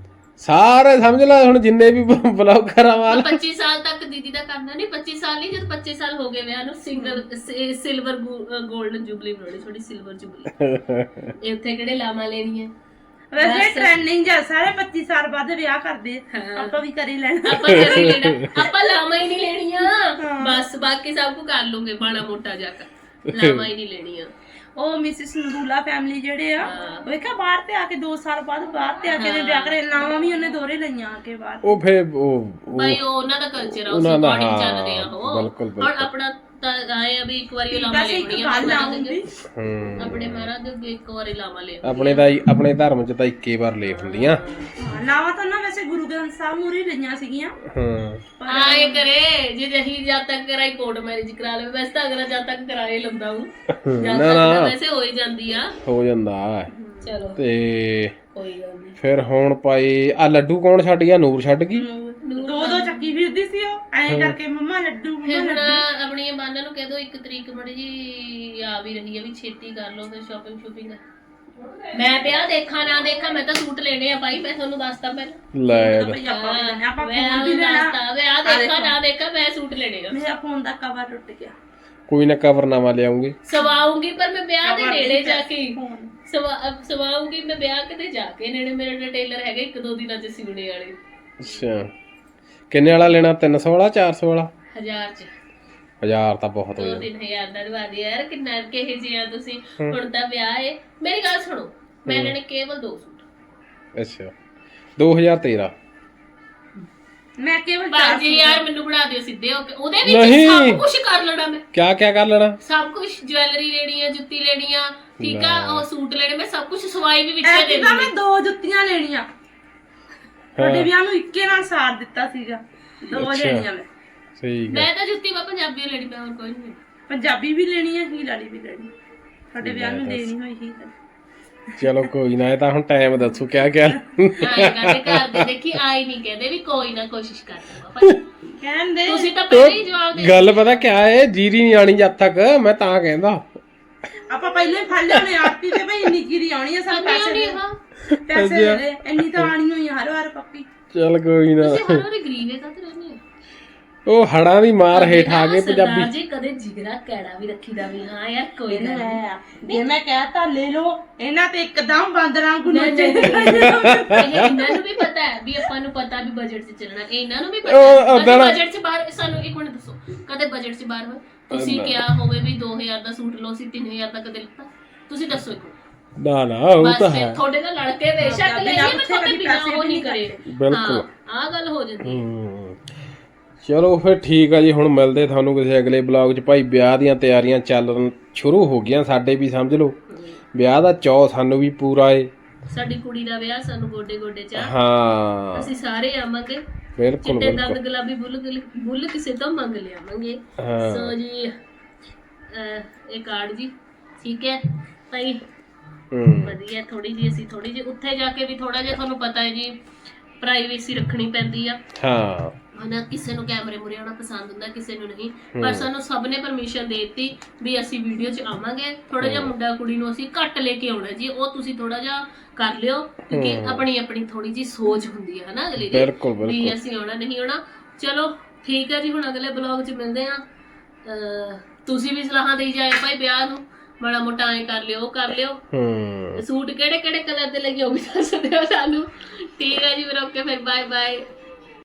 Speaker 1: ਸਾਰੇ ਸਮਝ ਲੈ ਹੁਣ ਜਿੰਨੇ ਵੀ ਬਲੌਗਰ ਆ ਵਾਲ
Speaker 2: ਪੱਚੀ ਸਾਲ ਤੱਕ ਦੀਦੀ ਦਾ ਕਰਨਾ ਨਹੀਂ ਪੱਚੀ ਸਾਲ ਨਹੀਂ ਜਦ ਪੱਚੀ ਸਾਲ ਹੋ ਗਏ ਵਿਆਹ ਨੂੰ ਸਿੰਗਲ ਸਿਲਵਰ 골ਡਨ ਜੁਬਲੀ ਬਣਾਉਣੀ ਥੋੜੀ ਸਿਲਵਰ ਜੁਬਲੀ ਇਹ ਉੱਥੇ ਕਿਹੜੇ ਲਾਵਾਂ ਲੈਣੀਆਂ
Speaker 3: ਵੈਸੇ ਟ੍ਰੈਂਡਿੰਗ ਜਾਂ ਸਾਰੇ ਪੱਚੀ ਸਾਲ ਬਾਅਦ ਵਿਆਹ ਕਰਦੇ ਆਪਾਂ ਵੀ ਕਰੀ ਲੈਣਾ
Speaker 2: ਆਪਾਂ ਕਰੀ ਲੈਣਾ ਆਪਾਂ ਲਾਵਾਂ ਹੀ ਨਹੀਂ ਲੈਣੀਆਂ ਬਸ ਬਾਕੀ ਸਭ ਕੁ ਕਰ ਲੂੰਗੇ ਬਾਣਾ ਮੋਟਾ ਜਾ ਕੇ ਲਾਵਾਂ ਹੀ ਨਹੀਂ ਲੈਣੀਆਂ
Speaker 3: ਉਹ ਮਿਸਿਸ ਨਰੂਲਾ ਫੈਮਿਲੀ ਜਿਹੜੇ ਆ ਵੇਖਿਆ ਬਾਹਰ ਤੇ ਆ ਕੇ ਦੋ ਸਾਲ ਬਾਅਦ ਬਾਹਰ ਤੇ ਆ ਕੇ ਨੇ ਵਿਆਹ ਕਰੇ ਨਾਵਾਂ ਵੀ ਉਹਨੇ ਦੋਰੇ ਲਈਆਂ ਆ ਕੇ ਬਾਹਰ
Speaker 1: ਉਹ ਫੇ ਉਹ
Speaker 2: ਭਾਈ ਉਹ ਉਹਨਾਂ ਦਾ ਕਲਚਰ ਆ ਉਸ
Speaker 1: ਉਹਨਾਂ ਦਾ,
Speaker 2: ਅਕੋਰਡਿੰਗ
Speaker 1: ਹਾਂ,
Speaker 2: ਚੱਲਦੇ ਆ ਉਹ
Speaker 1: ਬਿਲਕੁਲ,
Speaker 2: ਹੁਣ ਆਪਣਾ ਤਾਂ ਆਏ ਆ ਵੀ ਇੱਕ ਵਾਰੀ ਉਹ ਲਾਵਾਂ
Speaker 3: ਵੈਸੇ ਇੱਕ
Speaker 2: ਲੈਣੀਆਂ
Speaker 3: ਗੱਲ ਆਉਂਦੀ
Speaker 1: ਹੂੰ
Speaker 2: ਆਪਣੇ ਮਹਾਰਾਜ ਦੇ ਅੱਗੇ ਇੱਕ ਵਾਰੀ ਲਾਵਾਂ ਲੈ
Speaker 1: ਆਪਣੇ ਦਾ ਹੀ- ਆਪਣੇ ਧਰਮ ਚ ਤਾਂ ਇੱਕੇ ਵਾਰ ਲੈ ਹੁੰਦੀਆਂ
Speaker 3: ਨਾਵਾਂ ਤਾਂ ਨਾ ਵੈਸੇ ਗੁਰੂ ਗ੍ਰੰਥ ਸਾਹਿਬ ਮੂਰੀ ਲਈਆਂ ਸੀਗੀਆਂ
Speaker 1: ਹਾਂ
Speaker 2: ਆਏ ਕਰੇ ਜੇ ਜਹੀ ਜਦ ਤੱਕ ਕਰਾਈ ਕੋਰਟ ਮੈਰਿਜ ਕਰਾ ਲਵੇ ਵੈਸੇ ਤਾਂ ਅਗਰ ਜਦ ਤੱਕ ਕਰਾਏ ਲੰਦਾ ਹੂੰ ਜਦ ਤੱਕ ਤਾਂ ਵੈਸੇ ਹੋ ਹੀ ਜਾਂਦੀ ਆ
Speaker 1: ਹੋ ਜਾਂਦਾ
Speaker 2: ਚਲੋ
Speaker 1: ਤੇ
Speaker 2: ਕੋਈ ਗੱਲ ਨਹੀਂ
Speaker 1: ਫਿਰ ਹੁਣ ਪਾਈ ਆ ਲੱਡੂ ਕੌਣ ਛੱਡ ਗਿਆ ਨੂਰ ਛੱਡ ਗਈ
Speaker 3: ਦੋ ਦੋ ਚੱਕੀ ਫਿਰਦੀ ਸੀ ਉਹ ਐਂ ਕਰਕੇ ਮੰਮਾ ਲੱਡੂ
Speaker 2: ਫਿਰ
Speaker 3: ਮੰਮਾ
Speaker 2: ਹੁਣ ਆਪਣੀਆਂ ਬਾਨਾਂ ਨੂੰ ਕਹਿ ਦੋ ਇੱਕ ਤਰੀਕ ਮੜੀ ਜੀ ਆ ਵੀ ਰਹੀ ਆ ਵੀ ਛੇਤੀ ਕਰ ਲਓ ਫਿਰ ਸ਼ਾਪਿੰਗ ਸ਼ੂਪਿੰਗ ਮੈਂ ਵਿਆਹ ਦੇਖਾਂ ਨਾ ਦੇਖਾਂ ਮੈਂ ਤਾਂ ਸੂਟ ਲੈਣੇ ਆ ਭਾਈ ਮੈਂ ਤੁਹਾਨੂੰ ਦੱਸਤਾ ਪਹਿਲਾਂ
Speaker 1: ਲੈ
Speaker 3: ਲੱਡੂ ਆਪਾਂ ਵੀ ਲੈਣੇ ਆਪਾਂ
Speaker 2: ਮੈਂ
Speaker 3: ਫੋਨ ਵੀ
Speaker 2: ਤੁਹਾਨੂੰ
Speaker 3: ਲੈਣਾ
Speaker 2: ਦੱਸਤਾ ਵਿਆਹ ਦੇਖਾਂ ਨਾ ਦੇਖਾਂ ਮੈਂ ਸੂਟ ਲੈਣੇ ਆ
Speaker 3: ਮੇਰਾ ਫੋਨ ਦਾ ਕਵਰ ਟੁੱਟ ਗਿਆ
Speaker 1: ਕੋਈ ਨਾ ਕਵਰਨਾਮਾ ਲਿਆਉਂਗੇ
Speaker 2: ਸਵਾਉਂਗੀ ਪਰ ਮੈਂ ਵਿਆਹ ਦੇ ਨੇੜੇ ਜਾ ਕੇ ਸਵਾ ਸਵਾਉਂਗੀ ਮੈਂ ਵਿਆਹ ਕਿਤੇ ਜਾ ਕੇ ਨੇੜੇ ਮੇਰੇ ਟੇਲਰ ਹੈਗੇ ਇੱਕ ਦੋ ਦਿਨਾਂ ਚ ਸਿਉਣੇ ਵਾਲੇ
Speaker 1: ਅੱਛਾ ਕਿੰਨੇ ਵਾਲਾ ਲੈਣਾ ਤਿੰਨ ਸੌ ਵਾਲਾ ਚਾਰ ਸੌ ਵਾਲਾ
Speaker 2: ਹਜ਼ਾਰ ਚ
Speaker 1: ਹਜ਼ਾਰ ਤਾਂ ਬਹੁਤ ਹੋ
Speaker 2: ਦੋ
Speaker 1: ਜਾਂਦਾ
Speaker 2: ਤਿੰਨ ਹਜ਼ਾਰ ਦਾ ਦਵਾ ਦਿਆ ਯਾਰ ਕਿੰਨਾ ਕਿਹੇ ਜਿਹਾ ਤੁਸੀਂ ਹੁਣ ਤਾਂ ਵਿਆਹ ਏ ਮੇਰੀ ਗੱਲ ਸੁਣੋ ਮੈਂ ਲੈਣੇ ਕੇਵਲ ਦੋ ਸੂਟ
Speaker 1: ਅੱਛਾ ਦੋ ਹਜ਼ਾਰ ਤੇਰਾਂ
Speaker 3: ਮੈਂ ਕੇਵਲ ਚਾਰ
Speaker 2: ਪੰਜ ਹਜ਼ਾਰ ਮੈਨੂੰ ਬਣਾ ਦਿਓ ਸਿੱਧੇ ਹੋ ਕੇ, ਉਹਦੇ ਵਿੱਚ
Speaker 1: ਨਹੀਂ।
Speaker 2: ਸਭ ਕੁਝ ਕਰ ਲੈਣਾ ਮੈਂ,
Speaker 1: ਕਿਆ ਕਿਆ ਕਰ ਲੈਣਾ?
Speaker 2: ਸਭ ਕੁਝ, ਜਵੈਲਰੀ ਲੈਣੀ ਆ, ਜੁੱਤੀ ਲੈਣੀ ਆ, ਠੀਕ ਆ, ਉਹ ਸੂਟ ਲੈਣੇ, ਮੈਂ ਸਭ ਕੁਝ ਸਵਾਈ ਵੀ ਵਿੱਚ ਦੇ
Speaker 3: ਐਤਕੀ ਤਾਂ ਮੈਂ
Speaker 2: ਦੇਣੀ।
Speaker 3: ਦੋ ਜੁੱਤੀਆਂ ਲੈਣੀਆਂ, ਤੁਹਾਡੇ ਵਿਆਹ ਨੂੰ ਇੱਕੇ ਨਾਲ ਸਾਰ ਦਿੱਤਾ ਸੀਗਾ, ਦੋ ਲੈਣੀਆਂ ਮੈਂ।
Speaker 1: ਸਹੀ ਗੱਲ।
Speaker 2: ਮੈਂ ਤਾਂ ਜੁੱਤੀ ਮੈਂ ਪੰਜਾਬੀ ਲੈਣੀ, ਮੈਂ ਹੋਰ ਕੋਈ ਨਹੀਂ।
Speaker 3: ਪੰਜਾਬੀ ਵੀ ਲੈਣੀ ਹੈ, ਹੀਲ ਵਾਲੀ ਵੀ ਲੈਣੀ, ਤੁਹਾਡੇ ਵਿਆਹ ਨੂੰ ਦੇਣੀ ਹੋਈ ਹੀਲ।
Speaker 1: ਚਲੋ ਕੋਈ ਨਾ, ਇਹ ਤਾਂ ਹੁਣ ਟਾਈਮ ਦੱਸੋ ਕਿਆ ਕਿਆ।
Speaker 2: ਆਏ ਕਰਦੇ ਕਰਦੇ ਦੇਖੀ ਆਈ ਨਹੀਂ ਕਹਿੰਦੇ ਵੀ ਕੋਈ ਨਾ ਕੋਸ਼ਿਸ਼ ਕਰ ਲਵਾਂ।
Speaker 3: ਕਹਿੰਦੇ
Speaker 2: ਤੁਸੀਂ ਤਾਂ ਪਹਿਲਾਂ ਹੀ ਜਵਾਬ ਦੇ
Speaker 1: ਗੱਲ ਪਤਾ ਕਿਆ ਹੈ, ਜੀਰੀ ਨਹੀਂ ਆਣੀ ਜਦ ਤੱਕ, ਮੈਂ ਤਾਂ ਕਹਿੰਦਾ
Speaker 3: ਆਪਾਂ ਪਹਿਲਾਂ ਹੀ ਫੜ ਲਿਆਉਣੇ ਆਰਤੀ ਤੇ ਭਾਈ ਇੰਨੀ ਚੀਰੀ ਆਉਣੀ ਆ, ਸਾਨੂੰ ਪੈਸੇ ਦੇ,
Speaker 2: ਹਾਂ
Speaker 3: ਪੈਸੇ ਦੇ ਦੇ, ਇੰਨੀ ਤਾਂ ਆਣੀ ਹੋਈ ਆ ਹਰ ਵਾਰ ਪੱਕੀ।
Speaker 1: ਚੱਲ ਕੋਈ ਨਾ।
Speaker 2: ਤੁਸੀਂ ਹਰ ਵਾਰੀ ਗਰੀਬ ਹੈ ਕਦ ਰਹਿੰਦੇ ਹੋ?
Speaker 1: ਉਹ ਹੜਾਂ ਦੀ ਮਾਰ ਹੇਠ ਆ ਗਏ ਪੰਜਾਬੀ।
Speaker 2: ਸਰਦਾਰ ਜੀ ਕਦੇ ਜਿਗਰਾ ਕੈੜਾ ਵੀ ਰੱਖੀਦਾ ਵੀ ਹਾਂ ਯਾਰ ਕੋਈ ਗੱਲ ਨਹੀਂ।
Speaker 3: ਜੇ ਮੈਂ ਕਹਿਤਾ ਲੈ ਲਓ, ਇਹਨਾਂ ਤੇ ਇੱਕਦਮ ਬਾਂਦਰਾਂ ਗੁੰਨੇ ਚਾਹੀਦੇ।
Speaker 2: ਇਹ ਇਹਨਾਂ ਨੂੰ ਵੀ ਪਤਾ ਹੈ ਵੀ ਆਪਾਂ ਨੂੰ ਪਤਾ ਵੀ ਬਜਟ 'ਚ ਚੱਲਣਾ, ਇਹ ਇਹਨਾਂ ਨੂੰ ਵੀ ਪਤਾ
Speaker 1: ਉਹ
Speaker 2: ਹੈ
Speaker 1: ਓਦਾਂ ਨਾ-
Speaker 2: ਬਜਟ 'ਚ ਬਾਹਰ। ਸਾਨੂੰ ਇੱਕ ਮਿੰਟ ਦੱਸੋ, ਕਦੇ ਬਜਟ 'ਚ ਬਾਹਰ ਹੋਏ ਤੁਸੀਂ ਕਿਹਾ ਹੋਵੇ ਵੀ ਦੋ ਹਜ਼ਾਰ ਦਾ ਸੂਟ ਲਓ, ਸੀ ਤਿੰਨ ਹਜ਼ਾਰ ਦਾ ਕਦੇ ਲਿੱਤਾ? ਤੁਸੀਂ ਦੱਸੋ ਇੱਕ ਮਿੰਟ।
Speaker 1: ਨਾ ਨਾ ਉਹ
Speaker 2: ਬਸ
Speaker 1: ਤਾਂ
Speaker 2: ਫਿਰ
Speaker 1: ਹੈ।
Speaker 2: ਤੁਹਾਡੇ ਨਾਲ ਲੜ ਕੇ ਬੇਸ਼ੱਕ ਲੈ ਮੈਂ ਤੁਹਾਡੇ ਬਿਨਾਂ ਉਹ ਨਹੀਂ ਕਰੇ।
Speaker 1: ਬਿਲਕੁਲ।
Speaker 2: ਆਹ ਗੱਲ ਹੋ ਜਾਂਦੀ ਹੈ।
Speaker 1: ਹੂੰ। ਚਲੋ ਫਿਰ ਠੀਕ ਆ ਜੀ, ਹੁਣ ਮਿਲਦੇ ਤੁਹਾਨੂੰ ਕਿਸੇ ਅਗਲੇ ਬਲੌਗ 'ਚ। ਭਾਈ ਵਿਆਹ ਦੀਆਂ ਤਿਆਰੀਆਂ ਚੱਲਣ ਸ਼ੁਰੂ ਹੋ ਗਈਆਂ, ਸਾਡੇ ਵੀ ਸਮਝ ਲਓ ਵਿਆਹ ਦਾ ਚਾਅ ਸਾਨੂੰ ਵੀ ਪੂਰਾ ਏ।
Speaker 2: ਸਾਡੀ ਕੁੜੀ ਦਾ ਵਿਆਹ ਸਾਨੂੰ ਗੋਡੇ ਗੋਡੇ ਚ ਆ।
Speaker 1: ਹਾਂ
Speaker 2: ਅਸੀਂ ਸਾਰੇ ਆਵਾਂਗੇ,
Speaker 1: ਬਿਲਕੁਲ
Speaker 2: ਚਿੱਟੇ ਦੰਦ
Speaker 1: ਬਿਲਕੁਲ।
Speaker 2: ਗੁਲਾਬੀ ਬੁੱਲ ਗੁਲ- ਬੁੱਲ ਕਿਸੇ ਤੋਂ ਮੰਗ ਲਿਆਵਾਂਗੇ।
Speaker 1: ਹਾਂ।
Speaker 2: ਸੋ ਜੀ ਅਹ, ਇਹ ਕਾਰਡ ਜੀ ਠੀਕ ਹੈ ਭਾਈ,
Speaker 1: ਹੂੰ
Speaker 2: ਵਧੀਆ। ਥੋੜੀ ਜੀ ਅਸੀਂ ਥੋੜੀ ਜੀ ਉੱਥੇ ਜਾ ਕੇ ਵੀ ਥੋੜਾ ਜਿਹਾ ਤੁਹਾਨੂੰ ਪਤਾ ਹੈ ਜੀ ਪ੍ਰਾਈਵੇਸੀ ਰੱਖਣੀ ਪੈਂਦੀ ਆ
Speaker 1: ਹਾਂ
Speaker 2: ਹਨਾ। ਕਿਸੇ ਨੂੰ ਕੈਮਰੇ ਮੂਹਰੇ ਆਉਣਾ ਪਸੰਦ ਹੁੰਦਾ, ਕਿਸੇ ਨੂੰ ਨਹੀਂ, ਪਰ ਸਾਨੂੰ ਸਭ ਨੇ ਪਰਮਿਸ਼ਨ ਦੇ ਦਿੱਤੀ ਵੀ ਅਸੀਂ ਵੀਡੀਓ 'ਚ ਆਵਾਂਗੇ। ਥੋੜਾ ਜਿਹਾ ਮੁੰਡਾ ਕੁੜੀ ਨੂੰ ਅਸੀਂ ਘੱਟ ਲੈ ਕੇ ਆਉਣਾ ਜੀ, ਉਹ ਤੁਸੀਂ ਥੋੜਾ ਜਿਹਾ ਕਰ ਲਿਓ, ਕਿਉਂਕਿ ਆਪਣੀ ਆਪਣੀ ਥੋੜੀ ਜੀ ਸੋਚ ਹੁੰਦੀ ਹੈ ਹਨਾ ਅਗਲੇ ਦੀ
Speaker 1: ਬਿਲਕੁਲ
Speaker 2: ਵੀ
Speaker 1: ਬਿਲਕੁਲ।
Speaker 2: ਅਸੀਂ ਆਉਣਾ ਨਹੀਂ ਆਉਣਾ। ਚਲੋ ਠੀਕ ਹੈ ਜੀ, ਹੁਣ ਅਗਲੇ ਬਲੌਗ 'ਚ ਮਿਲਦੇ ਆ। ਤੁਸੀਂ ਵੀ ਸਲਾਹਾਂ ਦੇਈ ਜਾਏ ਭਾਈ ਵਿਆਹ ਨੂੰ, ਮਾੜਾ ਮੋਟਾ ਐਂ ਕਰ ਲਿਓ, ਉਹ ਕਰ ਲਿਓ।
Speaker 1: ਹੂੰ
Speaker 2: ਸੂਟ ਕਿਹੜੇ ਕਿਹੜੇ ਕਲਰ ਦੇ ਲੱਗੇ ਉਹ ਵੀ ਦੱਸ ਦਿਓ ਸਾਨੂੰ। ਠੀਕ ਹੈ ਜੀ, ਫਿਰ ਓਕੇ, ਫਿਰ ਬਾਏ ਬਾਏ।